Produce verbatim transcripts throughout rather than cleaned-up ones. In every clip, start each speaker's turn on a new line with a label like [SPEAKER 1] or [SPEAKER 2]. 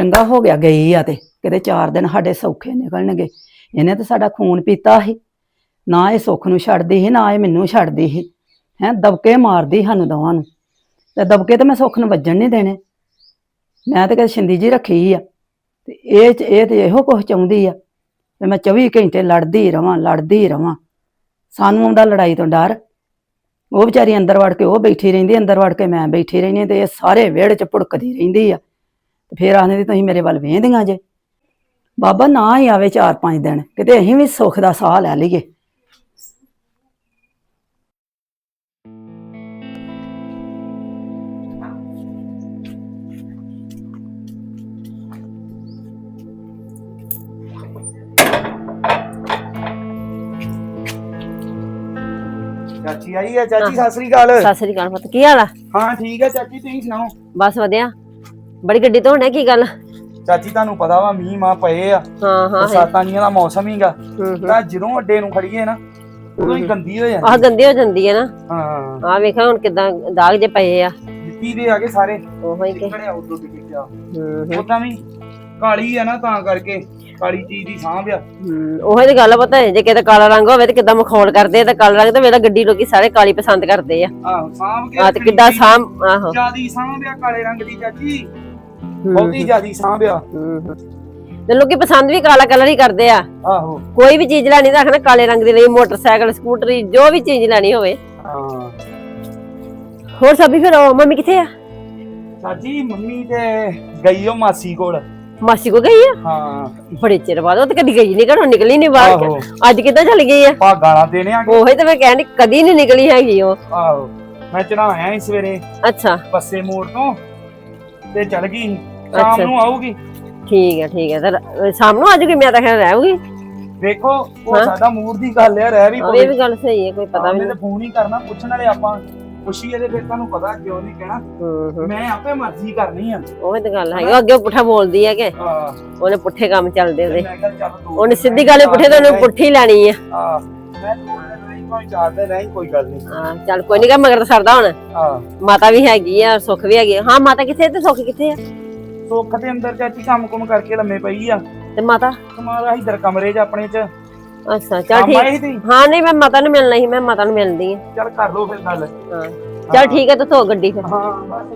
[SPEAKER 1] ਚੰਗਾ ਹੋ ਗਿਆ ਗਈ ਆ ਤੇ ਕਿਤੇ ਚਾਰ ਦਿਨ ਸਾਡੇ ਸੌਖੇ ਨਿਕਲਣਗੇ। ਇਹਨੇ ਤਾਂ ਸਾਡਾ ਖੂਨ ਪੀਤਾ ਸੀ, ਨਾ ਇਹ ਸੁੱਖ ਨੂੰ ਛੱਡਦੀ ਸੀ ਨਾ ਇਹ ਮੈਨੂੰ ਛੱਡਦੀ ਸੀ। ਹੈਂ ਦਬਕੇ ਮਾਰਦੀ ਸਾਨੂੰ ਦੋਵਾਂ ਨੂੰ, ਤੇ ਦਬਕੇ ਤੇ ਮੈਂ ਸੁੱਖ ਨੂੰ ਵੱਜਣ ਨਹੀਂ ਦੇਣੇ। ਮੈਂ ਤਾਂ ਕਦੇ ਛਿੰਦੀ ਜੀ ਰੱਖੀ ਆ, ਤੇ ਇਹ ਇਹ ਤੇ ਇਹੋ ਕੁਛ ਚਾਹੁੰਦੀ ਆ ਤੇ ਮੈਂ ਚੌਵੀ ਘੰਟੇ ਲੜਦੀ ਰਵਾਂ ਲੜਦੀ ਰਵਾਂ। ਸਾਨੂੰ ਆਉਂਦਾ ਲੜਾਈ ਤੋਂ ਡਰ। ਉਹ ਵਿਚਾਰੀ ਅੰਦਰ ਵੜ ਕੇ ਉਹ ਬੈਠੀ ਰਹਿੰਦੀ, ਅੰਦਰ ਵੜ ਕੇ ਮੈਂ ਬੈਠੀ ਰਹਿੰਦੀ, ਤੇ ਇਹ ਸਾਰੇ ਵਿਹੜੇ 'ਚ ਭੁੜਕਦੀ ਰਹਿੰਦੀ ਆ। ਤੇ ਫਿਰ ਆਖਦੇ ਵੀ ਤੁਸੀਂ ਮੇਰੇ ਵੱਲ ਵੇਂਹਦੀਆਂ ਜੇ। ਬਾਬਾ ਨਾ ਹੀ ਆਵੇ ਚਾਰ ਪੰਜ ਦਿਨ, ਕਿਤੇ ਅਸੀਂ ਵੀ ਸੁੱਖ ਦਾ ਸਾਹ ਲੈ ਲਈਏ।
[SPEAKER 2] ਚਾਚੀ ਆਈ ਹੈ। ਚਾਚੀ ਸਤਿ ਸ੍ਰੀ ਅਕਾਲ।
[SPEAKER 3] ਸਤਿ ਸ੍ਰੀ ਅਕਾਲ ਪੁੱਤ, ਕੀ ਹਾਲ ਆ?
[SPEAKER 2] ਹਾਂ ਠੀਕ ਹੈ ਚਾਚੀ, ਤੁਸੀਂ ਸੁਣਾਓ?
[SPEAKER 3] ਬਸ ਵਧੀਆ। ਬੜੀ ਗੱਡੀ ਤੋਂ ਹੋਣਾ, ਕੀ ਗੱਲ?
[SPEAKER 2] ਚਾਚੀ ਤੁਹਾਨੂੰ ਪਤਾ ਵਾ ਮੀਂਹ ਮਾਂ ਪਏ ਆ,
[SPEAKER 3] ਹਾਂ ਹਾਂ
[SPEAKER 2] ਬਰਸਾਤਾਂ ਦੀਆਂ ਦਾ ਮੌਸਮ ਹੀਗਾ, ਤਾਂ ਜਦੋਂ ਅੱਡੇ ਨੂੰ ਖੜੀਏ ਨਾ ਉਦੋਂ ਹੀ ਗੰਦੀ ਹੋ ਜਾਂਦੀ।
[SPEAKER 3] ਆਹ ਗੰਦੀ ਹੋ ਜਾਂਦੀ ਹੈ ਨਾ।
[SPEAKER 2] ਹਾਂ
[SPEAKER 3] ਆਹ ਵੇਖਿਆ ਹੁਣ ਕਿਦਾਂ ਦਾਗ ਜੇ ਪਏ ਆ।
[SPEAKER 2] ਮਿੱਟੀ ਦੇ ਆ ਗਏ ਸਾਰੇ,
[SPEAKER 3] ਉਹੋ ਹੀ ਕਿ
[SPEAKER 2] ਨਿਕਲਿਆ ਉਦੋਂ ਦੀ ਕਿਹਾ।
[SPEAKER 3] ਹੂੰ
[SPEAKER 2] ਉਦਾਂ ਵੀ ਕਾਲੀ ਆ ਨਾ, ਤਾਂ ਕਰਕੇ ਕਾਲੀ ਚੀਜ਼ ਦੀ ਸਾਂਭ ਆ।
[SPEAKER 3] ਹੂੰ ਉਹੀ ਤੇ ਗੱਲ ਪਤਾ ਜੇ ਕਿਤੇ ਕਾਲਾ ਰੰਗ ਹੋਵੇ ਤੇ ਕਿਦਾਂ ਮਖੌਲ ਕਰਦੇ, ਤੇ ਕਾਲਾ ਰੰਗ ਤੇ ਵੇਲਾ ਗੱਡੀ ਲੋਕੀ ਸਾਰੇ ਕਾਲੀ ਪਸੰਦ ਕਰਦੇ ਆ।
[SPEAKER 2] ਆਹੋ ਸਾਂਭ ਕੇ
[SPEAKER 3] ਆ ਤੇ ਕਿੱਦਾਂ ਸਾਂਭ। ਆਹੋ
[SPEAKER 2] ਜਿਆਦੀ ਸਾਂਭ ਆ ਕਾਲੇ ਰੰਗ ਦੀ ਚਾਚੀ, ਬਹੁਤੀ ਜਿਆਦੀ ਸਾਂਭ ਆ।
[SPEAKER 3] ਹੂੰ ਤੇ ਲੋਕੀ ਪਸੰਦ ਵੀ ਕਾਲਾ ਕਲਰ ਹੀ ਕਰਦੇ ਆ।
[SPEAKER 2] ਆਹੋ
[SPEAKER 3] ਕੋਈ ਵੀ ਚੀਜ਼ ਲੈਣੀ ਤਾਂ ਆਖਣਾ ਕਾਲੇ ਰੰਗ ਦੀ ਲਈ, ਮੋਟਰਸਾਈਕਲ ਸਕੂਟਰੀ ਜੋ ਵੀ ਚੀਜ਼ ਲੈਣੀ ਹੋਵੇ।
[SPEAKER 2] ਹਾਂ
[SPEAKER 3] ਹੋਰ ਸਭੀ ਫਿਰ ਮੰਮੀ ਕਿੱਥੇ ਆ?
[SPEAKER 2] ਚਾਚੀ ਮੰਮੀ ਤੇ ਗਈ ਉਹ ਮਾਸੀ ਕੋਲ।
[SPEAKER 3] ਮਾਸੀ ਕੋ ਗਈ ਆ?
[SPEAKER 2] ਹਾਂ
[SPEAKER 3] ਬੜੇ ਚਿਰ ਬਾਅਦ। ਉਹ ਤੇ ਕਦੀ ਗਈ ਨਹੀਂ, ਘਰੋਂ ਨਿਕਲੀ ਨਹੀਂ ਬਾਹਰ।
[SPEAKER 2] ਆਹੋ
[SPEAKER 3] ਅੱਜ ਕਿੱਦਾਂ ਚਲੀ ਗਈ ਆ?
[SPEAKER 2] ਪਾ ਗਾਲਾਂ ਦੇਣੇ ਆ।
[SPEAKER 3] ਉਹੀ ਤੇ ਮੈਂ ਕਹਿੰਦੀ ਕਦੀ ਨਹੀਂ ਨਿਕਲੀ ਹੈਗੀ ਉਹ।
[SPEAKER 2] ਆਹੋ ਮੈਂ ਚੜਾਇਆ ਇਸ ਸਵੇਰੇ
[SPEAKER 3] ਅੱਛਾ
[SPEAKER 2] ਬੱਸੇ ਮੋੜ ਤੋਂ, ਤੇ ਚਲ ਗਈ। ਸ਼ਾਮ ਨੂੰ ਆਊਗੀ।
[SPEAKER 3] ਠੀਕ ਹੈ ਠੀਕ ਹੈ। ਤੇ ਸ਼ਾਮ ਨੂੰ ਆਜੂਗੀ? ਮੈਂ ਤਾਂ ਖੈਰ ਰਹੂਗੀ।
[SPEAKER 2] ਵੇਖੋ ਉਹ ਸਾਡਾ ਮੂਡ ਦੀ ਗੱਲ ਆ, ਰਹਿ ਵੀ
[SPEAKER 3] ਇਹ ਵੀ ਗੱਲ ਸਹੀ ਹੈ, ਕੋਈ ਪਤਾ ਵੀ ਨਹੀਂ।
[SPEAKER 2] ਫੋਨ ਹੀ ਕਰਨਾ ਪੁੱਛਣ ਵਾਲੇ ਆਪਾਂ ਪੁੱਛੀਏ ਤੇ ਫਿਰ ਤੁਹਾਨੂੰ ਪਤਾ ਕਿਉਂ ਨਹੀਂ ਕਹਿਣਾ। ਮੈਂ ਆਪੇ ਮਰਜ਼ੀ ਕਰਨੀ ਆ।
[SPEAKER 3] ਉਹ ਤੇ ਗੱਲ ਹੈ, ਅੱਗੇ ਪੁੱਠਾ ਬੋਲਦੀ ਹੈ ਕਿ
[SPEAKER 2] ਹਾਂ
[SPEAKER 3] ਉਹਨੇ ਪੁੱਠੇ ਕੰਮ ਚੱਲਦੇ ਉਹਦੇ।
[SPEAKER 2] ਮੈਂ ਕਿਹਾ ਚੱਲ ਤੂੰ
[SPEAKER 3] ਉਹਨੇ ਸਿੱਧੀ ਗੱਲ ਪੁੱਠੇ ਤੇ ਉਹਨੇ ਪੁੱਠੀ ਲੈਣੀ ਆ।
[SPEAKER 2] ਹਾਂ ਮੈਂ ਨਹੀਂ ਕੋਈ ਚਾਹਦਾ ਨਹੀਂ, ਕੋਈ ਗੱਲ ਨਹੀਂ।
[SPEAKER 3] ਹਾਂ ਚੱਲ ਕੋਈ ਨਹੀਂ, ਕਾ ਮਗਰ ਤਾਂ ਸਰਦਾ ਹੁਣ।
[SPEAKER 2] ਹਾਂ
[SPEAKER 3] ਮਾਤਾ ਵੀ ਹੈਗੀ ਆ, ਸੁੱਖ ਵੀ ਹੈਗੀ ਆ। ਹਾਂ ਮਾਤਾ ਕਿੱਥੇ ਤੇ ਸੁੱਖ ਕਿੱਥੇ ਆ?
[SPEAKER 2] ਸੁੱਖ ਦੇ ਅੰਦਰ ਚਾਚੀ ਕੰਮ ਕੁਮ ਕਰਕੇ ਲੰਮੇ ਪਈ ਆ,
[SPEAKER 3] ਤੇ ਮਾਤਾ
[SPEAKER 2] ਤੁਹਾਡਾ ਇਧਰ ਕਮਰੇ 'ਚ ਆਪਣੇ 'ਚ।
[SPEAKER 3] ਅੱਛਾ ਚੱਲ ਠੀਕ। ਹਾਂ ਨਹੀਂ ਮੈਂ ਮਾਤਾ ਨੂੰ ਮਿਲਣਾ ਸੀ, ਮੈਂ ਮਾਤਾ ਨੂੰ ਮਿਲਦੀ ਆ।
[SPEAKER 2] ਚੱਲ ਕਰ ਲੋ ਫਿਰ ਗੱਲ।
[SPEAKER 3] ਹਾਂ ਚੱਲ ਠੀਕ ਹੈ, ਤੇ ਧੋ ਗੱਡੀ ਫਿਰ।
[SPEAKER 2] ਹਾਂ ਬਸ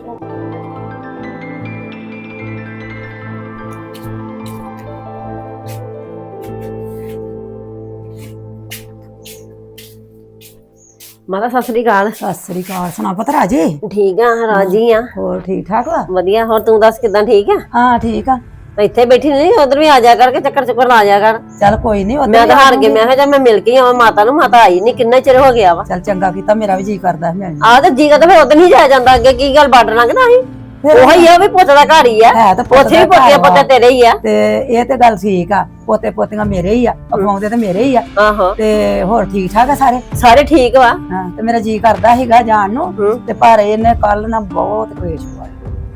[SPEAKER 3] ਮਾਤਾ ਸਤਿ ਸ੍ਰੀ ਅਕਾਲ।
[SPEAKER 1] ਸਤਿ ਸ੍ਰੀ ਅਕਾਲ। ਸੁਣਾ ਪੁੱਤ ਰਾਜੀ?
[SPEAKER 3] ਠੀਕ ਆ ਰਾਜੀ ਆ।
[SPEAKER 1] ਹੋਰ ਠੀਕ ਠਾਕ ਵਾ?
[SPEAKER 3] ਵਧੀਆ। ਹੋਰ ਤੂੰ ਦੱਸ ਕਿਦਾਂ? ਠੀਕ ਆ?
[SPEAKER 1] ਹਾਂ ਠੀਕ ਆ।
[SPEAKER 3] ਇੱਥੇ ਬੈਠੀ ਨਹੀਂ, ਉਧਰ ਵੀ ਆ ਜਾ ਕਰਕੇ ਚੱਕਰ ਚੁੱਕਰ ਲਾ ਜਾ ਕਰ।
[SPEAKER 1] ਚੱਲ ਕੋਈ ਨਹੀਂ।
[SPEAKER 3] ਮੈਂ ਤਾਂ ਹਾਰ ਕੇ ਮੈਂ ਕਿਹਾ ਜਾਂ ਮੈਂ ਮਿਲ ਕੇ ਆਵਾਂ ਮਾਤਾ ਨੂੰ। ਮਾਤਾ ਆਈ ਨਹੀਂ, ਕਿੰਨਾ ਚਿਰ ਹੋ ਗਿਆ ਵਾ।
[SPEAKER 1] ਚੱਲ ਚੰਗਾ ਕੀਤਾ, ਮੇਰਾ ਵੀ ਜੀ ਕਰਦਾ ਮਿਲਣ।
[SPEAKER 3] ਆਹ ਤੇ ਜੀ ਕਰਦਾ, ਫਿਰ ਉਧਰ ਨਹੀਂ ਜਾਇਆ ਜਾਂਦਾ। ਅੱਗੇ ਕੀ ਗੱਲ ਬਾਰਡਰ ਲੰਘਦਾ ਸੀ? ਉਹੀ ਆ ਵੀ ਪੁੱਤ ਦਾ ਘਰ ਹੀ ਆ।
[SPEAKER 1] ਹੈ ਤਾਂ ਪੁੱਤ
[SPEAKER 3] ਉੱਥੇ ਵੀ ਪੋਤੀਆਂ ਪੋਤੇ ਤੇਰੇ ਹੀ ਆ।
[SPEAKER 1] ਤੇ ਇਹ ਤੇ ਗੱਲ ਠੀਕ ਆ, ਪੋਤੇ ਪੋਤੀਆਂ ਮੇਰੇ ਹੀ ਆ, ਅਪਾਉਂਦੇ ਤੇ ਮੇਰੇ ਹੀ ਆ।
[SPEAKER 3] ਆਹੋ
[SPEAKER 1] ਤੇ ਹੋਰ ਠੀਕ ਠਾਕ ਆ ਸਾਰੇ?
[SPEAKER 3] ਸਾਰੇ ਠੀਕ ਵਾ।
[SPEAKER 1] ਹਾਂ ਤੇ ਮੇਰਾ ਜੀ ਕਰਦਾ ਸੀਗਾ ਜਾਣ ਨੂੰ, ਤੇ ਪਰ ਇਹਨੇ ਕੱਲ ਨਾ ਬਹੁਤ ਕਲੇਸ਼ ਪਾਇਆ।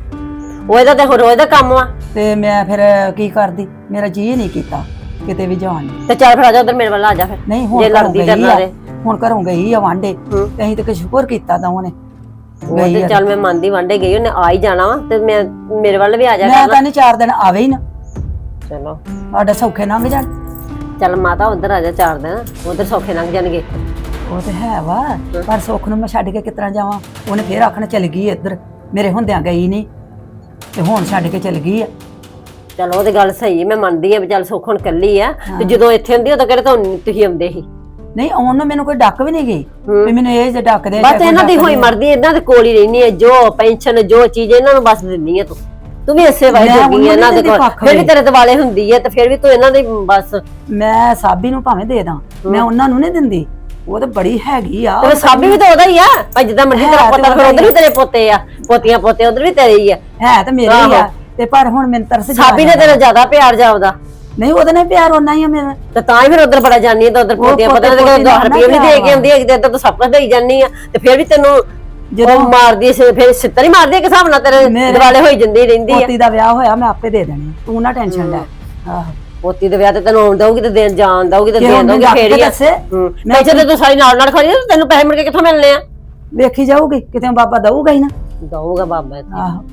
[SPEAKER 3] ਉਹ ਇਹਦਾ ਤੇ ਰੋਜ਼ ਦਾ ਕੰਮ ਵਾ। ਤੇ
[SPEAKER 1] ਮੈਂ ਫਿਰ ਕੀ ਕਰਦੀ, ਮੇਰਾ ਜੀ ਨਹੀਂ ਕੀਤਾ ਕਿਤੇ ਵੀ ਜਾਣ ਨੂੰ।
[SPEAKER 3] ਤੇ ਚੱਲ ਫਿਰ ਆ ਜਾ ਉਧਰ ਮੇਰੇ ਵੱਲ ਆ ਜਾ ਫਿਰ।
[SPEAKER 1] ਨਹੀਂ ਹੁਣ
[SPEAKER 3] ਜੇ ਲੜਦੀ ਕਰਨਾ ਰੇ,
[SPEAKER 1] ਹੁਣ ਘਰੋਂ ਗਈ ਆ ਵਾਂਡੇ, ਤੇ ਅਸੀਂ ਤੇ ਸ਼ੁਕਰ ਕੀਤਾ ਦੋਵਾਂ ਨੇ।
[SPEAKER 3] ਉਹ ਤੇ ਚੱਲ ਮੈਂ ਮੰਨਦੀ, ਵਾਂਡੇ ਗਈ ਉਹਨੇ ਆ ਹੀ ਜਾਣਾ ਵਾ, ਤੇ ਮੈਂ ਮੇਰੇ ਵੱਲ ਵੀ ਆ ਜਾ।
[SPEAKER 1] ਮੈਂ ਤਾਂ ਨਹੀਂ ਚਾਰ ਦਿਨ ਆਵੇ ਹੀ ਨਾ,
[SPEAKER 3] ਚਲੋ
[SPEAKER 1] ਸਾਡਾ ਸੌਖੇ ਲੰਘ ਜਾਣ।
[SPEAKER 3] ਚੱਲ ਮਾਤਾ ਉਧਰ ਆ ਜਾ ਚਾਰ ਦਿਨ, ਉਧਰ ਸੌਖੇ ਲੰਘ ਜਾਣਗੇ।
[SPEAKER 1] ਉਹ ਤੇ ਹੈ ਵਾ, ਪਰ ਸੁੱਖ ਨੂੰ ਮੈਂ ਛੱਡ ਕੇ ਕਿਤਨਾ ਜਾਵਾਂ? ਉਹਨੇ ਫੇਰ ਆਖਣ ਚਲ ਗਈ ਇੱਧਰ, ਮੇਰੇ ਹੁੰਦਿਆਂ ਗਈ ਨਹੀਂ, ਤੇ ਹੁਣ ਛੱਡ ਕੇ ਚਲ ਗਈ ਆ।
[SPEAKER 3] ਚਲ ਉਹ ਤੇ ਗੱਲ ਸਹੀ, ਮੈਂ ਮੰਨਦੀ ਆ ਵੀ ਚੱਲ ਸੁੱਖ ਹੁਣ ਕੱਲੀ ਆ, ਤੇ ਜਦੋਂ ਇੱਥੇ ਹੁੰਦੀ ਉਦੋਂ ਕਿਹੜੇ ਤੁਹਾਨੂੰ ਤੁਸੀਂ ਆਉਂਦੇ ਸੀ?
[SPEAKER 1] ਨਹੀਂ ਆਉਣ ਨੂੰ ਮੈਨੂੰ ਕੋਈ ਡੱਕ ਵੀ ਨਹੀਂ ਗਈ ਵੀ ਮੈਨੂੰ ਇਹ ਜੇ ਡੱਕਦੇ।
[SPEAKER 3] ਬਸ ਇਹਨਾਂ ਦੀ ਹੋਈ ਮਰਦੀ, ਇਹਨਾਂ ਦੇ ਕੋਲ ਹੀ ਰਹਿਣੀ ਹੈ, ਜੋ ਪੈਨਸ਼ਨ ਜੋ ਚੀਜ਼ ਇਹਨਾਂ ਨੂੰ ਬਸ ਦਿੰਦੀ ਹੈ ਤੂੰ। ਤੂੰ ਵੀ ਇਸੇ ਵਾਈ ਜੋਗੀ ਹੈ ਇਹਨਾਂ ਦੇ ਕੋਲ, ਫਿਰ ਵੀ ਤੇਰੇ ਦਿਵਾਲੇ ਹੁੰਦੀ ਹੈ, ਤੇ ਫਿਰ ਵੀ ਤੂੰ ਇਹਨਾਂ ਦੀ ਬਸ।
[SPEAKER 1] ਮੈਂ ਸਾਬੀ ਨੂੰ ਭਾਵੇਂ ਦੇ ਦਾਂ, ਮੈਂ ਉਹਨਾਂ ਨੂੰ ਨਹੀਂ ਦਿੰਦੀ। ਉਹ ਤਾਂ ਬੜੀ ਹੈਗੀ ਆ।
[SPEAKER 3] ਤੇ ਸਾਬੀ ਵੀ ਤਾਂ ਉਹਦਾ ਹੀ ਆ ਭਾਈ, ਜਿੱਦਾਂ ਮਰਜ਼ੀ ਤੇਰਾ ਪੁੱਤ, ਫਿਰ ਉਧਰ ਵੀ ਤੇਰੇ ਪੋਤੇ ਆ, ਪੋਤੀਆਂ ਪੋਤੇ ਉਧਰ ਵੀ ਤੇਰੇ ਹੀ ਆ।
[SPEAKER 1] ਹੈ ਤਾਂ ਮੇਰੇ ਹੀ ਆ, ਤੇ ਪਰ ਹੁਣ ਮੈਨੂੰ ਤਰਸ
[SPEAKER 3] ਸਾਬੀ ਨੇ ਤੇਰਾ ਜ਼ਿਆਦਾ ਪਿਆਰ ਜਾਉਦਾ।
[SPEAKER 1] ਨਹੀਂ ਉਹਦੇ ਨਾਲ ਪਿਆਰ ਉਹਨਾਂ ਹੀ ਆ ਮੇਰਾ,
[SPEAKER 3] ਤੇ ਤਾਂ ਹੀ ਫਿਰ ਉਧਰ ਬੜਾ ਜਾਨੀ ਹੈ, ਤੇ ਉਧਰ ਪੋਤੀਆਂ ਪੋਤੇ ਦਸ ਰੁਪਏ ਵੀ ਦੇ ਕੇ ਆਉਂਦੀ ਹੈ, ਇੱਧਰ ਤਾਂ ਸਭ ਕੁਝ ਦੇਈ ਜਾਨੀ ਆ, ਤੇ ਫਿਰ ਵੀ ਤੈਨੂੰ ਜਦੋਂ ਮਾਰਦੀ ਫਿਰ ਸਿੱਤਰ ਹੀ ਮਾਰਦੀ, ਇੱਕ ਹਿਸਾਬ ਨਾਲ ਤੇਰੇ ਦਿਵਾਲੇ ਹੋਈ ਜਾਂਦੀ ਰਹਿੰਦੀ ਆ।
[SPEAKER 1] ਪੋਤੀ ਦਾ ਵਿਆਹ ਹੋਇਆ ਮੈਂ ਆਪੇ ਦੇ ਦੇਣੀ, ਤੂੰ ਨਾ ਟੈਨਸ਼ਨ ਲੈ। ਆਹੋ
[SPEAKER 3] ਪੋਤੀ ਦੇ ਵਿਆਹ ਤੇ ਤੈਨੂੰ ਆਉਣ ਦਊਗੀ, ਤੇ ਦੇਣ ਜਾਣ ਦਊਗੀ, ਤੇ ਦੇਣ ਦਊਗੀ ਫੇਰ ਹੀ ਆ। ਮੈਂ ਜੇ ਤੂੰ ਸਾਰੀ ਨਾਲ ਨਾਲ ਖੜੀ, ਤੈਨੂੰ ਪੈਸੇ ਮਿਲ ਕੇ ਕਿੱਥੋਂ ਮਿਲਣੇ ਆ?
[SPEAKER 1] ਵੇਖੀ ਜਾਊਗੀ, ਕਿਤੇ ਬਾਬਾ ਦਊਗਾ ਹੀ ਨਾ।
[SPEAKER 3] ਦਊਗਾ ਬਾਬਾ।
[SPEAKER 1] ਆਹੋ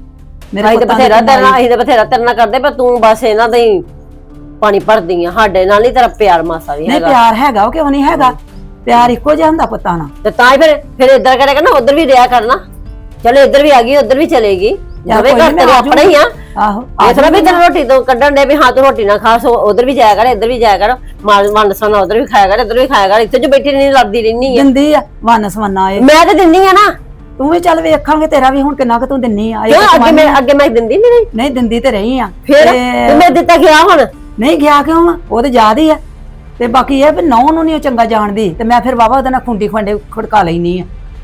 [SPEAKER 1] ਮੇਰੇ
[SPEAKER 3] ਅਸੀਂ ਤੇ
[SPEAKER 1] ਪੁੱਤਾਂ ਦੀ
[SPEAKER 3] ਬਥੇਰਾ ਤੇਰੇ ਨਾਲ
[SPEAKER 1] ਕਮਾਈ-
[SPEAKER 3] ਅਸੀਂ ਤੇ ਬਥੇਰਾ ਤੇਰੇ ਨਾਲ ਕਰਦੇ ਪਰ ਤੂੰ ਬਸ ਇਹਨਾਂ ਦਾ ਹੀ ਪਾਣੀ ਭਰਦੀ ਆ ਸਾਡੇ ਨਾਲ ਨਹੀਂ ਤੇਰਾ ਪਿਆਰ ਮਾਸਾ ਵੀ
[SPEAKER 1] ਨਹੀਂ
[SPEAKER 3] ਹੈਗਾ
[SPEAKER 1] ਪਿਆਰ ਹੈਗਾ ਉਹ ਕਿਉਂ ਨਹੀਂ ਹੈਗਾ ਪਿਆਰ ਇੱਕੋ ਜਿਹਾ ਹੁੰਦਾ ਪੁੱਤਾਂ ਨਾਲ।
[SPEAKER 3] ਤੇ ਤਾਂ ਹੀ ਫਿਰ ਫਿਰ ਇੱਧਰ ਕਰਿਆ ਕਰਨਾ ਉਧਰ ਵੀ ਰਿਹਾ ਕਰਨਾ ਚਲੋ ਇੱਧਰ ਵੀ ਆ ਗਈ ਉਧਰ ਵੀ ਚਲੇਗੀ
[SPEAKER 1] ਯਾਰ
[SPEAKER 3] ਦੋਵੇਂ
[SPEAKER 1] ਕੋਈ
[SPEAKER 3] ਘਰ
[SPEAKER 1] ਨੀ, ਮੈਂ
[SPEAKER 3] ਤੇਰੇ
[SPEAKER 1] ਆ
[SPEAKER 3] ਆਪਣੇ ਹੀ ਆ
[SPEAKER 1] ਆਹੋ
[SPEAKER 3] ਇਹ ਥੋੜਾ ਵੀ ਤੈਨੂੰ ਰੋਟੀ ਤੋਂ ਕੱਢਣ ਦੇ ਵੀ ਹਾਂ ਤੂੰ ਰੋਟੀ ਨਾ ਖਾ ਸੋ ਉਧਰ ਵੀ ਜਾਇਆ ਕਰ ਇੱਧਰ ਵੀ ਜਾਇਆ ਕਰ ਮਾਲ ਮਨ ਸੋਨਾ ਉਧਰ ਵੀ ਖਾਇਆ ਕਰ ਇੱਧਰ ਵੀ ਖਾਇਆ ਕਰ ਇੱਥੇ ਜੋ ਬੈਠੀ ਨਹੀਂ ਲੜਦੀ ਰਹਿਨੀ ਆ
[SPEAKER 1] ਦਿੰਦੀ ਆ ਵਨ ਸਵੰਨਾ ਇਹ
[SPEAKER 3] ਮੈਂ ਤੇ ਦਿੰਨੀ ਆ ਨਾ
[SPEAKER 1] ਤੂੰ ਵੀ ਚੱਲ ਵੇਖਾਂਗੇ ਤੇਰਾ ਵੀ ਹੁਣ ਕਿੰਨਾ ਕੁ ਤੂੰ ਦਿੰਨੀ ਆ ਇਹ
[SPEAKER 3] ਕਿਉਂ
[SPEAKER 1] ਤਾਂ
[SPEAKER 3] ਅੱਗੇ ਮੈਂ ਅੱਗੇ ਮੈਂ ਦਿੰਦੀ ਨਹੀਂ ਰਹੀ
[SPEAKER 1] ਨਹੀਂ ਦਿੰਦੀ ਤੇ ਰਹੀ ਆ
[SPEAKER 3] ਫਿਰ
[SPEAKER 1] ਤੇ
[SPEAKER 3] ਤੇ ਮੈਂ ਦਿੱਤਾ ਗਿਆ ਹੁਣ
[SPEAKER 1] ਨਹੀਂ ਗਿਆ ਕਿਉਂ ਆ ਉਹ ਤੇ ਯਾਦ ਹੀ ਆ ਤੇ ਬਾਕੀ ਇਹ ਵੀ ਨੌ ਨੂੰ ਨਹੀਂ ਚੰਗਾ ਜਾਣਦੀ ਤੇ ਮੈਂ ਫਿਰ ਵਾਵਾ ਉਹਦੇ ਨਾਲ ਖੁੰਡੀ ਖੰਡੇ ਖੜਕਾ ਲੈਣੀ ਆ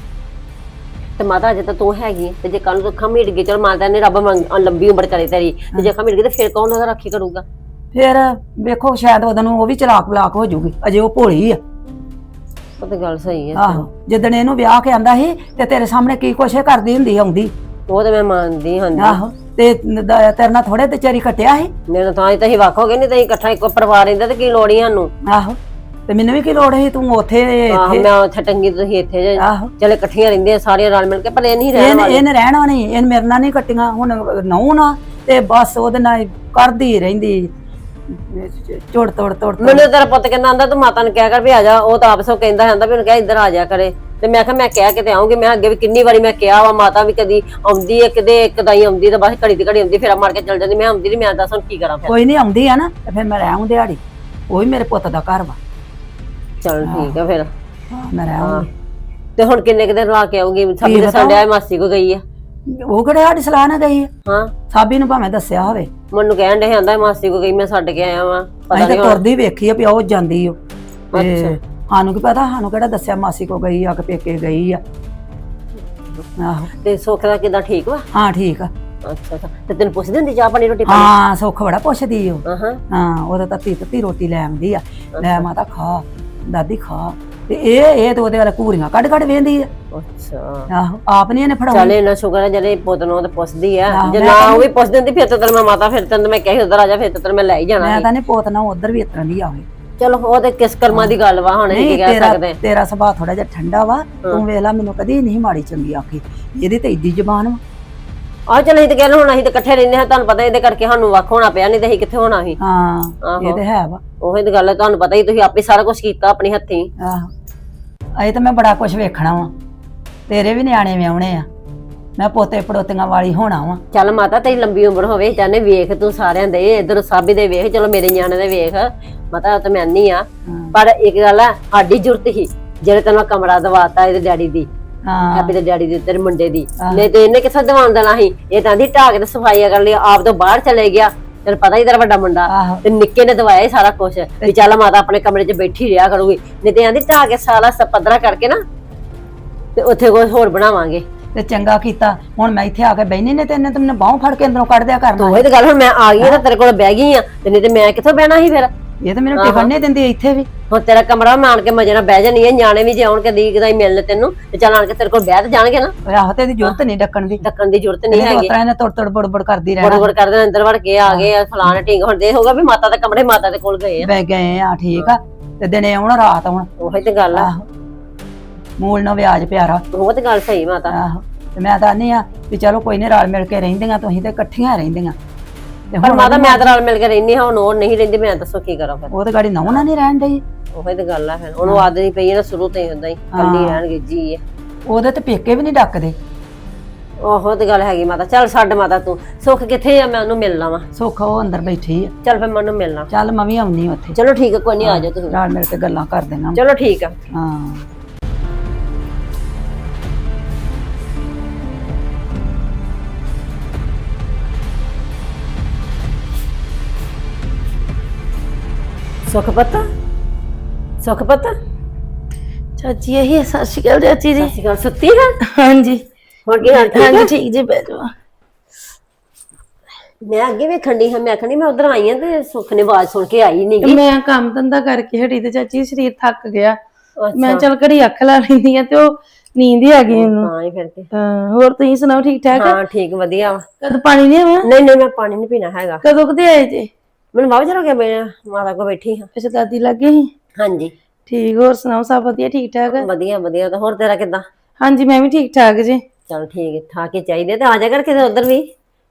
[SPEAKER 3] ਤੇ ਮਾਤਾ ਅਜੇ ਤਾਂ ਤੂੰ ਹੈਗੀ ਆਂ, ਤੇ ਜੇ ਕੱਲ ਨੂੰ ਅੱਖਾਂ ਮੀਟ ਗਈ ਚਲ ਮਾਤਾ ਨੇ ਰੱਬ ਮੰਗ- ਲੰਬੀ ਉਮਰ ਕਰੇ ਤੇਰੀ ਤੇ ਜੇ ਅੱਖਾਂ ਮੀਟ ਗਈ ਤੇ ਫਿਰ ਕੌਣ ਉਹਦਾ ਰਾਖੀ ਕਰੂਗਾ
[SPEAKER 1] ਫਿਰ ਵੇਖੋ ਸ਼ਾਇਦ ਉਹਦੇ ਨੂੰ ਉਹ ਵੀ ਚਲਾਕ ਬਲਾਕ ਹੋ ਜਾਊਗੀ ਅਜੇ ਉਹ ਭੋਲੀ ਆ
[SPEAKER 3] ਉਹ ਤਾਂ ਗੱਲ ਸਹੀ ਹੈ
[SPEAKER 1] ਆਹੋ ਜਿੱਦਣ ਇਹਨੂੰ ਵਿਆਹ ਕੇ ਆਂਦਾ ਸੀ ਤੇ ਤੇਰੇ ਸਾਹਮਣੇ ਕੀ ਕੁਛ ਇਹ ਕਰਦੀ ਹੁੰਦੀ ਆਉਂਦੀ
[SPEAKER 3] ਉਹ ਤੇ ਮੈਂ ਮੰਨਦੀ ਹਾਂ
[SPEAKER 1] ਆਹੋ ਤੇ ਦ- ਤੇਰੇ ਨਾਲ ਥੋੜੇ ਤੇ ਚਰੀ ਕੱਟਿਆ ਸੀ
[SPEAKER 3] ਮੇਰੇ ਤਾਂ ਹੀ ਤਾਂ ਹੀ ਵੱਖ ਹੋ ਗਏ ਨਹੀਂ ਤਾਂ ਅਸੀਂ ਇਕੱਠਾ ਇੱਕੋ ਪਰਿਵਾਰ ਰਹਿੰਦਾ ਤੇ ਕੀ ਲੋੜ ਹੀ ਸਾਨੂੰ
[SPEAKER 1] ਆਹੋ ਤੇ ਮੈਨੂੰ ਵੀ ਕੀ ਲੋੜ ਸੀ ਤੂੰ ਉੱਥੇ
[SPEAKER 3] ਆਹ
[SPEAKER 1] ਇੱਥੇ
[SPEAKER 3] ਮੈਂ ਉੱਥੇ ਟੰਗੀ ਤੁਸੀਂ ਇੱਥੇ ਜੇ
[SPEAKER 1] ਆਹੋ
[SPEAKER 3] ਚਲੇ ਇਕੱਠੀਆਂ ਰਹਿੰਦੀਆਂ ਸਾਰੀਆਂ ਰਲ ਮਿਲ ਕੇ ਪਰ ਇਹ ਨਹੀਂ ਰਹਿਣ
[SPEAKER 1] ਇਹਨੇ
[SPEAKER 3] ਵਾਲੀ
[SPEAKER 1] ਇਹਨੇ ਰਹਿਣਾ ਨਹੀਂ ਇਹਨ ਮੇਰੇ ਨਾਲ ਨਹੀਂ ਕੱਟੀਆਂ ਹੁਣ ਨਹੁੰ ਨਾ ਤੇ ਬਸ ਉਹਦੇ ਨਾਲ ਕਰਦੀ ਰਹਿੰਦੀ ਚੋੜ ਤੋੜ ਤੋੜ ਤੋੜ।
[SPEAKER 3] ਮੈਨੂੰ ਤੇਰਾ ਪੁੱਤ ਕਹਿੰਦਾ ਆਂਦਾ ਤੂੰ ਮਾਤਾ ਨੂੰ ਕਿਹਾ ਕਰ ਵੀ ਆ ਜਾ ਉਹ ਤਾਂ ਆਪਸ ਵਿੱਚ ਕਹਿੰਦਾ ਹੁੰਦਾ ਵੀ ਉਹਨੂੰ ਕਿਹਾ ਇੱਧਰ ਆ ਜਾ ਕਰੇ ਤੇ ਮੈਂ ਕਿਹਾ ਮੈਂ ਕਹਿ ਕੇ ਤੇ ਆਉਂਗੀ ਮੈਂ ਅੱਗੇ ਵੀ ਕਿੰਨੀ ਵਾਰੀ ਮੈਂ ਕਿਹਾ ਵਾ ਮਾਤਾ ਵੀ ਕਦੀ ਆਉਂਦੀ ਹੈ ਕਦੇ ਇੱਕ ਦਾ ਹੀ ਆਉਂਦੀ ਤਾਂ ਬਸ ਘੜੀ ਦੀ ਘੜੀ ਆਉਂਦੀ ਫੇਰਾ ਮਾਰ ਕੇ ਚਲ ਜਾਂਦੀ ਮੈਂ ਆਉਂਦੀ ਨਹੀਂ ਮੈਂ ਦੱਸ ਹੁਣ ਕੀ ਕਰਾਂ ਫਿਰ
[SPEAKER 1] ਕੋਈ ਨਹੀਂ ਆਉਂਦੀ ਆ ਨਾ ਤੇ ਫਿਰ ਮੈਂ ਰਹਿ ਆਉਂ ਦਿਹਾੜੀ ਉਹ ਵੀ ਮੇਰੇ ਪੁੱਤ ਦਾ ਘਰ ਵਾ
[SPEAKER 3] ਚਲ ਠੀਕ ਆ ਫਿਰ
[SPEAKER 1] ਹਾਂ, ਮੈਂ ਰਹਿ ਆਉਂਗੀ
[SPEAKER 3] ਤੇ ਹੁਣ ਕਿੰਨੇ ਕੁ ਦਿਨ ਲਾ ਕੇ ਆਉਂਗੀ ਸਾਬੀ ਦੇ ਸੰਡਿਆ ਮਾਸੀ ਕੋ ਗਈ ਆ
[SPEAKER 1] ਉਹ ਕਿਹੜੇ ਸਾਡੀ ਸਲਾਹ ਨਾਲ ਗਈ ਆ
[SPEAKER 3] ਹਾਂ
[SPEAKER 1] ਸਾਬੀ ਨੂੰ ਭਾਵੇਂ ਦੱਸਿਆ ਹੋਵੇ
[SPEAKER 3] ਮੈਨੂੰ ਕਹਿਣ ਦੇ ਆਂਦਾ ਮਾਸੀ ਕੋ ਗਈ ਮੈਂ ਛੱਡ ਕੇ ਆਇਆ ਵਾਂ ਪਤਾ
[SPEAKER 1] ਅਸੀਂ
[SPEAKER 3] ਨਹੀਂ
[SPEAKER 1] ਤਾਂ ਤੁਰਦੀ ਵੇਖੀ ਆ ਵੀ ਉਹ ਜਾਂਦੀ ਓ ਤੇ
[SPEAKER 3] ਅੱਛਾ।
[SPEAKER 1] ਸਾਨੂੰ ਕੀ ਪਤਾ ਸਾਨੂੰ ਕਿਹੜਾ ਦੱਸਿਆ ਮਾਸੀ ਕੋ ਗਈ ਆ ਕਿ ਪੇਕੇ ਗਈ ਆ ਆਹੋ
[SPEAKER 3] ਤੇ ਸੁੱਖ ਦਾ ਕਿਦਾਂ ਠੀਕ ਵਾ
[SPEAKER 1] ਹਾਂ ਠੀਕ ਆ
[SPEAKER 3] ਅੱਛਾ ਅੱਛਾ ਤੇ ਤੈਨੂੰ ਪੁੱਛਦੀ ਹੁੰਦੀ ਚਾਹ ਪਾਣੀ ਰੋਟੀ ਪਾਣੀ
[SPEAKER 1] ਹਾਂ ਸੁੱਖ ਬੜਾ ਪੁੱਛਦੀ ਓ
[SPEAKER 3] ਹਾਂ ਹਾਂ
[SPEAKER 1] ਹਾਂ ਉਹਦਾ ਤਾਂ ਤੱਤੀ ਤੱਤੀ ਰੋਟੀ ਲੈ ਆਉਂਦੀ ਆ ਲੈ ਮਾਤਾ ਖਾ ਦਾਦੀ ਖਾ ਤੇ ਇਹ ਇਹ ਤੇ ਉਹਦੇ ਵਾਲੇ ਘੂਰੀਆਂ ਕੱਢ ਕੱਢ ਵੇਂਦੀ ਆ
[SPEAKER 3] ਅੱਛਾ
[SPEAKER 1] ਆਹੋ ਆਪ ਨਹੀਂ ਇਹਨੇ ਫੜਾਉਣੀ
[SPEAKER 3] ਚੱਲ ਇਹਨਾਂ ਸ਼ੁਕਰ ਹੈ ਜਿਹੜੇ ਪੁੱਤ ਨੂੰ ਉਹ ਤਾਂ ਪੁੱਛਦੀ ਆ
[SPEAKER 1] ਆਹੋ,
[SPEAKER 3] ਜੇ
[SPEAKER 1] ਮੈਂ
[SPEAKER 3] ਨਾ
[SPEAKER 1] ਤਾਂ-
[SPEAKER 3] ਉਹ ਵੀ ਪੁੱਛ ਦਿੰਦੀ ਫਿਰ ਤਾਂ ਤੈਨੂੰ ਮੈਂ ਮਾਤਾ ਫਿਰ ਤੈਨੂੰ ਮੈਂ ਕਹੀ ਉਧਰ ਆ ਜਾ ਫਿਰ ਤਾਂ ਤੈਨੂੰ ਮੈਂ ਲੈ ਹੀ ਜਾਣਾ
[SPEAKER 1] ਮੈਂ
[SPEAKER 3] ਸੀ।
[SPEAKER 1] ਤਾਂ ਨਹੀਂ ਪੋਤ ਨਾ ਉਧਰ ਵੀ ਇਸ ਤਰ੍ਹਾਂ ਦੀ ਆਵੇ
[SPEAKER 3] ਚਲੋ ਉਹ ਤੇ ਕਿਸ ਕਰਮਾਂ ਦੀ ਗੱਲ ਵਾ ਹੁਣ ਇਹ ਕੀ
[SPEAKER 1] ਨਹੀਂ
[SPEAKER 3] ਕਹਿ
[SPEAKER 1] ਤੇਰਾ
[SPEAKER 3] ਸਕਦੇ
[SPEAKER 1] ਤੇਰਾ ਸੁਭਾਅ ਥੋੜਾ ਜਿਹਾ ਠੰਡਾ ਵਾ ਤੂੰ ਵੇਖ ਲੈ ਮੈਨੂੰ ਕਦੀ ਨਹੀਂ ਮਾੜੀ ਚੰਗੀ ਆਖੀ ਇਹਦੀ ਤੇ ਇੱਦੀ ਜ਼ਬਾਨ ਵਾ
[SPEAKER 3] ਆ ਚੱਲ ਅਸੀਂ ਤੇ ਕਹਿੰਦੇ ਹੁਣ ਅਸੀਂ ਤੇ ਇਕੱਠੇ ਰਹਿੰਦੇ ਹਾਂ ਤੁਹਾਨੂੰ ਪਤਾ ਇਹਦੇ ਕਰਕੇ ਸਾਨੂੰ ਵੱਖ ਹੋਣਾ ਪਿਆ ਨਹੀਂ ਤੇ ਅਸੀਂ ਕਿੱਥੇ ਹੋਣਾ ਸੀ
[SPEAKER 1] ਹਾਂ
[SPEAKER 3] ਆਹੋ।
[SPEAKER 1] ਇਹ ਤੇ ਹੈ ਵਾ
[SPEAKER 3] ਉਹੀ ਤਾਂ ਗੱਲ ਹੈ ਤੁਹਾਨੂੰ ਪਤਾ ਹੀ ਤੁਸੀਂ ਆਪੇ ਸਾਰਾ ਕੁਝ ਕੀਤਾ ਆਪਣੀ ਹੱਥੀਂ
[SPEAKER 1] ਆਹੋ ਅਜੇ ਤਾਂ ਮੈਂ ਬੜਾ ਕੁਝ ਵੇਖਣਾ ਵਾ ਤੇਰੇ ਵੀ ਨਿਆਣੇ ਵਿਆਹੁਣੇ ਆ ਮੈਂ ਪੋਤੇ ਪੜੋਤੀਆਂ ਵਾਲੀ ਹੋਣਾ ਵਾ
[SPEAKER 3] ਚੱਲ ਮਾਤਾ ਤੇਰੀ ਲੰਬੀ ਉਮਰ ਹੋਵੇ ਚਾਹਨੇ ਵੇਖ ਤੂੰ ਸਾਰਿਆਂ ਦੇ ਇਧਰ ਸਾਬੀ ਦੇ ਵੇਖ ਚਲੋ ਮੇਰੇ ਨਿਆਣੇ ਦੇ ਵੇਖ ਮਾਤਾ ਤਾਂ ਮੈਂ ਨਹੀਂ ਆ ਪਰ ਇੱਕ ਗੱਲ ਆ ਸਾਡੀ ਜ਼ਰੂਰਤ ਹੀ ਜਿਹੜੇ ਤੈਨੂੰ ਕਮਰਾ ਦਵਾਤਾ ਇਹਦੇ ਡੈਡੀ ਦੀ
[SPEAKER 1] ਹਾਂ
[SPEAKER 3] ਹੈਪੀ ਦੇ ਡੈਡੀ ਦੇ ਤੇਰੇ ਮੁੰਡੇ ਦੀ ਨਹੀਂ ਤੇ ਇਹਨੇ ਕਿੱਥੇ ਦਵਾਉਣ ਦੇਣਾ ਸੀ ਇਹ ਤਾਂ ਦੀ ਢਾਕ ਤੇ ਸਫਾਈ ਕਰ ਲਈ ਆਪ ਤੋਂ ਬਾਹਰ ਚਲੇ ਗਿਆ ਤੈਨੂੰ ਪਤਾ ਹੀ ਤੇਰਾ ਵੱਡਾ ਮੁੰਡਾ
[SPEAKER 1] ਆਹੋ
[SPEAKER 3] ਤੇ ਨਿੱਕੇ ਨੇ ਦਵਾਇਆ ਸਾਰਾ ਕੁਝ ਵੀ ਚੱਲ ਮਾਤਾ ਆਪਣੇ ਕਮਰੇ 'ਚ ਬੈਠੀ ਰਿਹਾ ਕਰੂਗੀ ਨਹੀਂ ਤੇ ਆਂਦੀ ਢਾਹ ਕੇ ਸਾਰਾ ਸਪਦਰਾ ਕਰਕੇ ਨਾ ਤੇ ਉੱਥੇ ਕੁਝ ਹੋਰ ਬਣਾਵਾਂਗੇ
[SPEAKER 1] ਤੇ ਚੰਗਾ ਕੀਤਾ ਹੁਣ ਮੈਂ ਇੱਥੇ ਆ ਕੇ ਬੈਣੀ ਨੇ ਤੇ ਇਹਨੇ ਤਾਂ ਮੈਨੂੰ ਬਾਹੋਂ ਫੜ ਕੇ ਅੰਦਰੋਂ ਕੱਢ ਦਿਆ ਕਰਨਾ
[SPEAKER 3] ਉਹੀ ਤਾਂ ਗੱਲ ਹੁਣ ਮੈਂ ਆ ਗਈ ਆ ਤਾਂ ਤੇਰੇ ਕੋਲ ਬਹਿ ਗਈ ਆ ਤੇ ਨਹੀਂ ਤੇ ਮੈਂ ਕਿੱਥੋਂ ਬਹਿਣਾ ਸੀ ਫਿਰ
[SPEAKER 1] ਇਹ ਤਾਂ ਮੈਨੂੰ ਟਿਕਣ ਨਹੀਂ ਦਿੰਦੀ ਇੱਥੇ ਵੀ
[SPEAKER 3] ਹੁਣ ਤੇਰਾ ਕਮਰਾ ਮੈਂ ਆਣ ਕੇ ਮਜੇ ਨਾਲ ਬਹਿ ਜਾਣੀ ਆ ਨਿਆਣੇ ਵੀ ਜੇ ਆਉਣ ਕਦੀ ਕਦਾਈ ਮਿਲਣ ਤੈਨੂੰ ਤੇ ਚੱਲ ਆਣ ਕੇ ਤੇਰੇ ਕੋਲ ਬਹਿ ਤੇ ਜਾਣਗੇ ਨਾ
[SPEAKER 1] ਓਏ ਆਹੋ ਤੇ ਇਹਦੀ ਜ਼ਰੂਰਤ ਨਹੀਂ ਡੱਕਣ ਦੀ
[SPEAKER 3] ਡੱਕਣ ਦੀ ਜ਼ਰੂਰਤ ਨਹੀਂ
[SPEAKER 1] ਇਹਨੇ
[SPEAKER 3] ਹੈਗੀ
[SPEAKER 1] ਉਤਰਾ ਇਹਨੇ ਤੁੜ ਤੁੜ ਬੜਬੜ ਕਰਦੀ ਰਹਿਣਾ
[SPEAKER 3] ਬੜਬੜ ਕਰਦੇ ਅੰਦਰ ਵੜ ਕੇ ਆ ਗਏ ਆ ਫਲਾਣ ਢੀਂਗ ਹੁਣ ਦੇ ਹੋਗਾ ਵੀ ਮਾਤਾ ਦੇ ਕਮਰੇ ਮਾਤਾ ਦੇ ਕੋਲ ਗਏ ਆ
[SPEAKER 1] ਬਹਿ ਗਏ ਆ ਠੀਕ ਆ ਤੇ ਦਿਨੇ ਆਉਣ ਰਾਤ ਆਉਣ
[SPEAKER 3] ਉਹੀ ਤੇ ਗੱਲ ਆ
[SPEAKER 1] ਆਹੋ ਮੂਲ ਨਾ ਵਿਆਜ ਪਿਆਰਾ
[SPEAKER 3] ਉਹ ਤੇ ਗੱਲ ਸਹੀ ਮਾਤਾ
[SPEAKER 1] ਆਹੋ ਤੇ ਮੈਂ ਤਾਂ ਨਹੀਂ ਆ ਵੀ ਚਲੋ ਕੋਈ ਨਹੀਂ ਰਲ ਮਿਲ ਕੇ ਰਹਿੰਦੀਆਂ ਤੁਸੀਂ ਤੇ ਇਕੱਠੀਆਂ ਰਹਿੰਦੀਆਂ ਤੇ
[SPEAKER 3] ਪਰ
[SPEAKER 1] ਹੁਣ
[SPEAKER 3] ਮਾਤਾ ਮੈਂ ਤਾਂ ਨਾਲ ਮਿਲ ਕੇ ਰਹਿਨੀ ਹਾਂ ਹੁਣ ਉਹ ਨਹੀਂ ਰਹਿੰਦੀ ਮੈਂ ਦੱਸੋ ਕੀ ਕਰਾਂ ਫਿਰ
[SPEAKER 1] ਉਹ ਤੇ ਗਾੜੀ ਨਹੁੰ ਨਹੀਂ ਰਹਿਣ ਡਈ
[SPEAKER 3] ਉਹੀ ਤੇ ਗੱਲ ਆ ਫਿਰ ਉਹਨੂੰ ਆਦਤ ਨਹੀਂ ਪਈ ਨਾ ਸ਼ੁਰੂ ਤੋਂ ਹੀ ਹੁੰਦਾ ਹੀ ਕੱਲੀ ਰਹਿਣਗੇ ਜੀ
[SPEAKER 1] ਉਹਦੇ ਤੇ ਪੇਕੇ ਵੀ ਨਹੀਂ ਡੱਕਦੇ
[SPEAKER 3] ਉਹੋ ਤੇ ਗੱਲ ਹੈਗੀ ਮਾਤਾ ਚੱਲ ਛੱਡ ਮਾਤਾ ਤੂੰ ਸੁੱਖ ਕਿੱਥੇ ਆ ਮੈਂ ਉਹਨੂੰ ਮਿਲਣਾ ਵਾ
[SPEAKER 1] ਸੁੱਖ ਉਹ ਅੰਦਰ ਬੈਠੀ ਆ
[SPEAKER 3] ਚੱਲ ਫਿਰ ਮੈਂ ਉਹਨੂੰ ਮਿਲਣਾ
[SPEAKER 1] ਚੱਲ ਮੈਂ ਵੀ ਆਉਣੀ ਉੱਥੇ
[SPEAKER 3] ਚਲੋ ਠੀਕ ਆ ਕੋਈ ਨਹੀਂ ਆ ਜਾਓ ਤੁਸੀਂ
[SPEAKER 1] ਰਲ ਮਿਲ ਕੇ ਗੱਲਾਂ ਕਰ ਦੇਣਾ
[SPEAKER 3] ਚਲੋ ਠੀਕ ਆ
[SPEAKER 1] ਹਾਂ
[SPEAKER 3] ਸੁੱਖ ਪਤਾ ਸੁੱਖ ਪਤਾ
[SPEAKER 4] ਚਾਚੀ ਇਹ ਸਤਿ ਸ਼੍ਰੀ ਅਕਾਲ ਚਾਚੀ ਜੀ
[SPEAKER 3] ਸਸੀ ਗੱਲ ਸੁੱਤੀ ਹੈ
[SPEAKER 4] ਹਾਂਜੀ
[SPEAKER 3] ਹੁਣ ਕੀ ਹਾਲ ਠੀਕ
[SPEAKER 4] ਹਾਂਜੀ
[SPEAKER 3] ਹੈ
[SPEAKER 4] ਠੀਕ ਜੀ ਬੈਠੋ
[SPEAKER 3] ਮੈਂ ਅੱਗੇ ਵੇਖਣ ਦੀ ਹਾਂ ਮੈਂ ਆਖਣੀ ਮੈਂ ਉਧਰ ਆਈ ਆ ਤੇ ਸੁੱਖ ਨੇ ਆਵਾਜ਼ ਸੁਣ ਕੇ ਆਈ ਨਹੀਂ
[SPEAKER 4] ਮੈਂ ਕੰਮ ਧੰਦਾ ਕਰਕੇ ਹਟੀ ਤੇ ਚਾਚੀ ਸਰੀਰ ਥੱਕ ਗਿਆ ਮੈਂ ਚੱਲ ਘੜੀ ਅੱਖ ਲਾ ਲੈਂਦੀ ਆ ਤੇ ਉਹ ਨੀਂਦ ਹੀ ਆ ਗਈ ਮੈਨੂੰ
[SPEAKER 3] ਹਾਂ ਹੀ ਫਿਰ ਤੇ
[SPEAKER 4] ਹਾਂ, ਹੋਰ ਤੁਸੀਂ ਸੁਣਾਓ ਠੀਕ ਠਾਕ
[SPEAKER 3] ਹਾਂ ਠੀਕ ਵਧੀਆ ਵਾ
[SPEAKER 4] ਕਦ ਪਾਣੀ ਨਹੀਂ ਆਇਆ
[SPEAKER 3] ਨਹੀਂ ਨਹੀਂ ਮੈਂ ਪਾਣੀ ਨਹੀਂ ਪੀਣਾ ਹੈਗਾ
[SPEAKER 4] ਕਦੋਂ ਕਦੇ ਆਏ ਜੇ
[SPEAKER 3] ਮੈਨੂੰ ਬਾਬਾ ਚਲੋ ਗਿਆ ਮੈਂ ਮਾਤਾ ਕੋ ਬੈਠੀ ਹਾਂ
[SPEAKER 4] ਅੱਛਾ ਦਾਦੀ ਲੱਗੇ ਸੀ
[SPEAKER 3] ਹਾਂਜੀ
[SPEAKER 4] ਠੀਕ ਹੋਰ ਸੁਣਾਓ ਸਭ ਵਧੀਆ ਠੀਕ ਠਾਕ
[SPEAKER 3] ਵਧੀਆ ਵਧੀਆ ਤਾਂ ਹੋਰ ਤੇਰਾ ਕਿੱਦਾਂ
[SPEAKER 4] ਹਾਂਜੀ ਮੈਂ ਵੀ ਠੀਕ ਠਾਕ ਜੀ
[SPEAKER 3] ਚਲ ਠੀਕ ਠਾਕ ਹੀ ਚਾਹੀਦੇ ਤੇ ਆ ਜਾ ਕਰ ਕਿਤੇ ਉਧਰ ਵੀ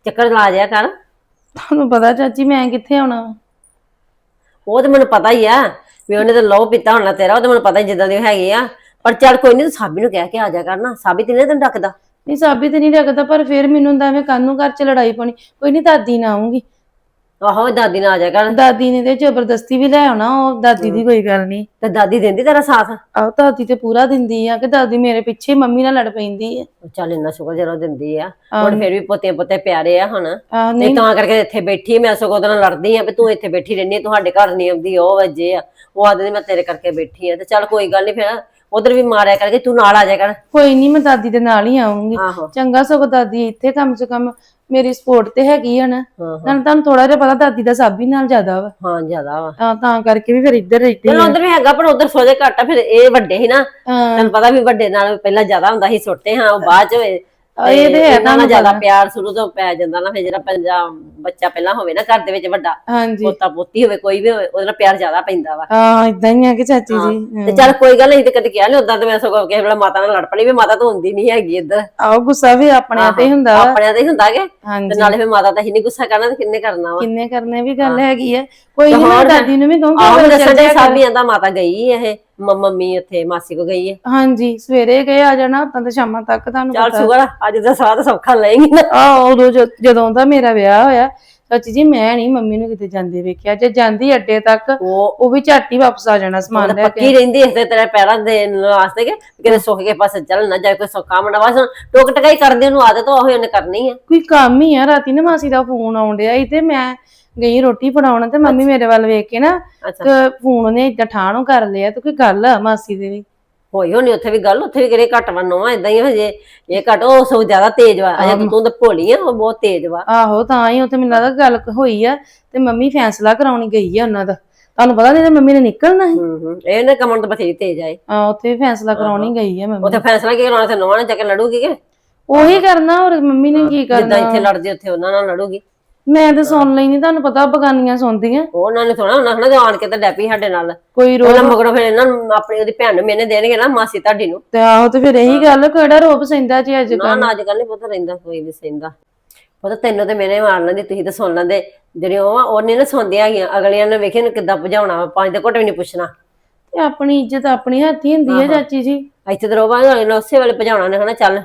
[SPEAKER 3] ਚੱਕਰ ਲਾ ਜਾਇਆ ਕਰ।
[SPEAKER 4] ਤੁਹਾਨੂੰ ਪਤਾ ਚਾਚੀ ਮੈਂ ਕਿੱਥੇ ਆਉਣਾ ਵਾ।
[SPEAKER 3] ਉਹ ਤੇ ਮੈਨੂੰ ਪਤਾ ਹੀ ਆ ਵੀ ਉਹਨੇ ਤਾਂ ਲਹੂ ਪੀਤਾ ਹੋਣਾ ਤੇਰਾ, ਉਹ ਤੇ ਮੈਨੂੰ ਪਤਾ ਹੀ ਜਿੱਦਾਂ ਦੇ ਹੈਗੇ ਆ। ਪਰ ਚੱਲ ਕੋਈ ਨਹੀਂ, ਤੂੰ ਸਾਬੀ ਨੂੰ ਕਹਿ ਕੇ ਆ ਜਾ ਕਰਨਾ, ਸਾਬੀ ਤੇ ਨਹੀਂ ਤੈਨੂੰ ਡੱਕਦਾ।
[SPEAKER 4] ਨਹੀਂ ਸਾਬੀ ਤੇ ਨਹੀਂ ਰੱਖਦਾ, ਪਰ ਫਿਰ ਮੈਨੂੰ ਹੁੰਦਾ ਮੈਂ ਕੱਲ ਨੂੰ ਘਰ ਚ ਲੜਾਈ ਪਾਉਣੀ। ਕੋਈ ਨਹੀਂ ਦਾਦੀ ਨਾ ਆਉਂਗੀ,
[SPEAKER 3] ਆਹੋ ਦਾਦੀ ਨਾਲ ਆ ਜਾ ਕਰ।
[SPEAKER 4] ਦਾਦੀ ਨੇ ਤੇ ਜ਼ਬਰਦਸਤੀ ਵੀ ਲੈ ਆਉਣਾ, ਉਹ ਦਾਦੀ ਦੀ ਕੋਈ ਗੱਲ ਨਹੀਂ।
[SPEAKER 3] ਤੇ ਦਾਦੀ ਦਿੰਦੀ ਤੇਰਾ ਸਾਥ?
[SPEAKER 4] ਆਹ ਦਾਦੀ ਤੇ ਪੂਰਾ ਦਿੰਦੀ ਆ ਕਿ ਦਾਦੀ ਮੇਰੇ ਪਿੱਛੇ ਮੰਮੀ ਨਾਲ ਲੜ ਪੈਂਦੀ ਆ।
[SPEAKER 3] ਚੱਲ ਇੰਨਾ ਸ਼ੁਕਰ ਜਦੋਂ ਦਿੰਦੀ ਆ। ਹੁਣ ਫਿਰ ਵੀ ਪੋਤੇ ਪੋਤੇ ਪਿਆਰੇ ਆ ਹੁਣ,
[SPEAKER 4] ਆਹ
[SPEAKER 3] ਤੇ
[SPEAKER 4] ਨਹੀਂ
[SPEAKER 3] ਤਾਂ ਕਰਕੇ ਇੱਥੇ ਬੈਠੀ ਮੈਂ ਸਗੋਂ ਉਹਦੇ ਨਾਲ ਲੜਦੀ ਆ ਵੀ ਤੂੰ ਇੱਥੇ ਬੈਠੀ ਰਹਿੰਦੀ, ਤੁਹਾਡੇ ਘਰ ਨਹੀਂ ਆਉਂਦੀ, ਉਹ ਵਜੇ ਆ ਉਹ ਆਦਦੇ ਮੈਂ ਤੇਰੇ ਕਰਕੇ ਬੈਠੀ ਆ। ਤੇ ਚੱਲ ਕੋਈ ਗੱਲ ਨਹੀਂ, ਫਿਰ ਉਧਰ ਵੀ ਮਾਰਿਆ ਕਰਕੇ ਤੂੰ ਨਾਲ ਆ ਜਾ ਕਰ।
[SPEAKER 4] ਕੋਈ ਨਹੀਂ, ਮੈਂ ਦਾਦੀ ਦੇ ਨਾਲ ਹੀ ਆਉਂਗੀ।
[SPEAKER 3] ਆਹੋ
[SPEAKER 4] ਚੰਗਾ ਸਗੋਂ ਦਾਦੀ ਇੱਥੇ ਕਮ ਸੇ ਕਮ ਮੇਰੀ ਸਪੋਰਟ ਤੇ ਹੈਗੀ ਆ ਨਾ।
[SPEAKER 3] ਹਾਂ
[SPEAKER 4] ਨਾਲ ਤੁਹਾਨੂੰ ਥੋੜਾ ਜਿਹਾ ਪਤਾ ਦਾਦੀ ਦਾ ਸਾਬੀ ਨਾਲ ਜ਼ਿਆਦਾ ਵਾ,
[SPEAKER 3] ਹਾਂ ਜ਼ਿਆਦਾ ਵਾ।
[SPEAKER 4] ਤਾਂ ਤਾਂ ਕਰਕੇ ਵੀ ਫਿਰ ਇੱਧਰ ਰਹਿੰਦੇ
[SPEAKER 3] ਚਲੋ ਉਧਰ ਵੀ ਹੈਗਾ, ਪਰ ਉਧਰ ਸੋਜੇ ਘੱਟ ਆ। ਫਿਰ ਇਹ ਵੱਡੇ ਸੀ ਨਾ,
[SPEAKER 4] ਹਾਂ
[SPEAKER 3] ਤੈਨੂੰ ਪਤਾ ਵੀ ਵੱਡੇ ਨਾਲ ਪਹਿਲਾਂ ਜ਼ਿਆਦਾ ਹੁੰਦਾ ਸੀ, ਸੁੱਟੇ ਹਾਂ ਉਹ ਬਾਅਦ ਚ ਹੋਏ।
[SPEAKER 4] ਇਹ ਤੇ ਹੈ,
[SPEAKER 3] ਇਹਨਾਂ ਨਾਲ ਜ਼ਿਆਦਾ ਪਿਆਰ ਸ਼ੁਰੂ ਤੋਂ ਪੈ ਜਾਂਦਾ ਨਾ। ਫਿਰ ਜਿਹੜਾ ਪੰਜਾਬ ਬੱਚਾ ਪਹਿਲਾਂ ਹੋਵੇ ਨਾ ਘਰ ਦੇ ਵਿੱਚ ਵੱਡਾ,
[SPEAKER 4] ਹਾਂਜੀ
[SPEAKER 3] ਪੋਤਾ ਪੋਤੀ ਹੋਵੇ ਕੋਈ ਵੀ ਹੋਵੇ, ਉਹਦੇ ਨਾਲ ਪਿਆਰ ਜ਼ਿਆਦਾ ਪੈਂਦਾ ਵਾ।
[SPEAKER 4] ਹਾਂ ਇਦਾਂ ਹੀ ਆ ਕਿ ਚਾਚੀ ਜੀ।
[SPEAKER 3] ਤੇ ਚੱਲ ਕੋਈ ਗੱਲ ਨਹੀਂ, ਤੇ ਕਦੇ ਕਿਹਾ ਨੀ ਉਦਾਂ। ਤੇ ਮੈਂ ਸਗੋਂ ਕਿਸੇ ਵੇਲੇ ਮਾਤਾ ਨਾਲ ਲੜ ਪਣੀ ਵੀ ਮਾਤਾ ਤੂੰ ਹੁੰਦੀ ਨਹੀਂ ਹੈਗੀ ਇੱਧਰ।
[SPEAKER 4] ਆਓ ਗੁੱਸਾ ਵੀ ਆਪਣੇ ਤੇ ਹੀ ਹੁੰਦਾ ਵਾ।
[SPEAKER 3] ਆਪਣਿਆਂ ਤੇ ਹੀ ਹੁੰਦਾ ਕਿ ਤੇ
[SPEAKER 4] ਹਾਂਜੀ
[SPEAKER 3] ਨਾਲੇ ਫਿਰ ਮਾਤਾ ਤਾਂ ਹੀ ਨਹੀਂ ਗੁੱਸਾ ਕਰਨਾ, ਤੇ ਕਿੰਨੇ ਕਰਨਾ ਵਾ।
[SPEAKER 4] ਕਿੰਨੇ ਕਰਨੇ ਵੀ ਗੱਲ ਹੈਗੀ ਆ। ਕੋਈ ਨਹੀਂ, ਮੈਂ ਦਾਦੀ ਨੂੰ ਵੀ ਕਹੂੰਗੀ
[SPEAKER 3] ਆਹੋ
[SPEAKER 4] ਚੱਲ
[SPEAKER 3] ਦੱਸਣ ਦੇ
[SPEAKER 4] ਜਾਇਆ ਕਰ।
[SPEAKER 3] ਸਾਬੀ ਆਂਦਾ ਮਾਤਾ ਗਈ ਇਹ ਮ- ਮੰਮੀ ਉੱਥੇ ਮਾਸੀ ਕੋ ਗਈ ਹੈ।
[SPEAKER 4] ਹਾਂਜੀ ਸਵੇਰੇ ਗਏ, ਆ ਜਾਣਾ ਉਤਾਂ ਤੇ ਸ਼ਾਮਾਂ ਤੱਕ ਤੁਹਾਨੂੰ
[SPEAKER 3] ਚੱਲ
[SPEAKER 4] ਪਤਾ।
[SPEAKER 3] ਸ਼ੁਕਰ ਆ, ਅੱਜ ਦਾ ਸਾਥ ਸੌਖਾ ਲਏਗੀ ਨਾ।
[SPEAKER 4] ਆਹ ਉਦੋਂ ਜ- ਜਦੋਂ ਦਾ ਮੇਰਾ ਵਿਆਹ ਹੋਇਆ ਚਾਚੀ ਜੀ, ਮੈਂ ਨਹੀਂ ਮੰਮੀ ਨੂੰ ਕਿਤੇ ਜਾਂਦੇ ਵੇਖਿਆ। ਜੇ ਜਾਂਦੀ ਅੱਡੇ ਤੱਕ
[SPEAKER 3] ਉਹ
[SPEAKER 4] ਉਹ ਵੀ ਝੱਟ ਹੀ ਵਾਪਸ ਆ ਜਾਣਾ ਸਮਾਨ ਲੈ ਕੇ।
[SPEAKER 3] ਪੱਕੀ ਰਹਿੰਦੀ ਇਸ ਤੇ ਤੇਰੇ ਪੈਰਾਂ ਦੇ ਵਾਸਤੇ ਕਿ ਕਿਤੇ ਸੁੱਖ ਕੇ ਪਾਸੇ ਚੱਲ ਨਾ ਜਾਏ, ਕੋਈ ਸੌਖਾ ਮੁੰਡਾ ਬਸ ਟੋਕ ਟਕਾਈ ਕਰਦੇ ਉਹਨੂੰ ਆਦਤ ਉਹ ਉਹਨੇ ਕਰਨੀ ਆ।
[SPEAKER 4] ਕੋਈ ਕੰਮ ਹੀ ਆ। ਰਾਤੀ ਨਾ ਮਾਸੀ ਦਾ ਫੋਨ ਆਉਣ ਡਿਆ ਸੀ ਤੇ ਮੈਂ ਗਈ ਰੋਟੀ ਫੜਾਉਣ, ਤੇ ਮੰਮੀ ਮੇਰੇ ਵੱਲ ਵੇਖ ਕੇ ਨਾ
[SPEAKER 3] ਅੱਛਾ
[SPEAKER 4] ਤੇ ਫੋਨ ਉਹਨੇ ਏਦਾਂ ਠਾਣੋਂ ਕਰ ਲਿਆ। ਤੇ ਕੋਈ ਗੱਲ ਆ ਮਾਸੀ ਦੇ ਵੀ?
[SPEAKER 3] ਹੋਈ ਹੋਣੀ ਉੱਥੇ ਵੀ ਗੱਲ, ਉੱਥੇ ਵੀ ਕਿਹੜੇ ਘੱਟ ਵੰਨੋ ਆ, ਏਦਾਂ ਹੀ ਹਜੇ ਇਹ ਘੱਟ, ਉਹ ਸਗੋਂ ਜ਼ਿਆਦਾ ਤੇਜ਼ ਵਾ। ਅਜੇ ਤਾਂ ਤੂੰ ਤਾਂ ਭੋਲੀ ਆ, ਉਹ ਬਹੁਤ ਤੇਜ਼ ਵਾ।
[SPEAKER 4] ਆਹੋ ਤਾਂ ਹੀ ਉੱਥੇ ਮੈਨੂੰ ਲੱਗਦਾ ਗੱਲ ਹੋਈ ਆ, ਤੇ ਮੰਮੀ ਫੈਸਲਾ ਕਰਾਉਣੀ ਗਈ ਆ ਉਹਨਾਂ ਦਾ। ਤੁਹਾਨੂੰ ਪਤਾ ਨਹੀਂ, ਮੰਮੀ ਨੇ ਨਿਕਲਣਾ ਸੀ।
[SPEAKER 3] ਹੂੰ ਹੂੰ ਇਹਨੇ ਕਮਣ ਤੋਂ ਬਥੇਰੀ ਤੇਜ਼ ਆਏ।
[SPEAKER 4] ਆ ਉੱਥੇ ਵੀ ਫੈਸਲਾ ਕਰਾਉਣੀ ਗਈ ਆ ਮੰਮੀ।
[SPEAKER 3] ਉੱਥੇ ਫੈਸਲਾ ਕੀ ਕਰਾਉਣਾ, ਤੇ ਨੋਹਾਂ ਨੇ ਜਾ ਕੇ ਲੜੂਗੀ ਕਿ
[SPEAKER 4] ਉਹੀ ਕਰਨਾ, ਹੋਰ ਮੰਮੀ ਨੇ ਕੀ
[SPEAKER 3] ਜਿੱਦਾਂ
[SPEAKER 4] ਕਰਨਾ।
[SPEAKER 3] ਇੱਥੇ ਲੜਦੀ ਉੱਥੇ ਉਹਨਾਂ ਨਾਲ ਲੜੂਗੀ।
[SPEAKER 4] ਮੈਂ ਤਾਂ ਸੁਣ ਲਈ ਨਹੀਂ, ਤੁਹਾਨੂੰ ਪਤਾ ਬਗਾਨੀਆਂ ਸੁਣਦੀਆਂ।
[SPEAKER 3] ਉਹਨਾਂ ਨੇ ਥੋੜਾ ਉਹਨਾਂ ਹਨਾ ਆਣ ਕੇ ਤਾਂ ਡੈਪੀ ਸਾਡੇ ਨਾਲ
[SPEAKER 4] ਕੋਈ ਰੋ
[SPEAKER 3] ਉਹਨਾਂ ਮਗਰੋਂ ਫਿਰ ਇਹਨਾਂ ਨੂੰ ਆਪਣੀ ਉਹਦੀ ਭੈਣ ਨੂੰ ਮੈਨੇ ਦੇਣਗੇ ਨਾ, ਮਾਸੀ ਤੁਹਾਡੀ ਨੂੰ।
[SPEAKER 4] ਤੇ ਆਹੋ ਤੇ ਫਿਰ ਇਹੀ ਗੱਲ, ਕਿਹੜਾ ਰੋਪ ਸਹਿੰਦਾ ਜੀ ਅੱਜ
[SPEAKER 3] ਨਾ
[SPEAKER 4] ਕੱਲ।
[SPEAKER 3] ਨਾ ਅੱਜ ਕੱਲ ਨੀ ਪਤਾ ਰਹਿੰਦਾ, ਕੋਈ ਵੀ ਸਹਿੰਦਾ। ਪਤਾ ਤੈਨੂੰ ਤੇ ਮੈਨੇ ਮਾਰ ਲੈਂਦੀ, ਤੁਸੀਂ ਤਾਂ ਸੁਣ ਲੈਂਦੇ। ਜਿਹੜੇ ਉਹ ਆ ਉਹਨੇ ਨਾ ਸੁਣਦੀਆਂ ਹੈਗੀਆਂ, ਅਗਲੀਆਂ ਨੇ ਵੇਖੇ ਨੂੰ ਕਿੱਦਾਂ ਭਜਾਉਣਾ ਵਾ, ਪੰਜ ਦੇ ਘੁੱਟ ਵੀ ਨਹੀਂ ਪੁੱਛਣਾ।
[SPEAKER 4] ਤੇ ਆਪਣੀ ਇੱਜ਼ਤ ਆਪਣੀ ਹੱਥੀ ਹੁੰਦੀ ਹੈ ਚਾਚੀ ਜੀ।
[SPEAKER 3] ਇੱਥੇ ਤਾਂ ਰੋਵਾਂਗੇ ਨਾ, ਉਸੇ ਵੇਲੇ ਭਜਾਉਣਾ ਨੇ ਹਨਾ। ਚੱਲ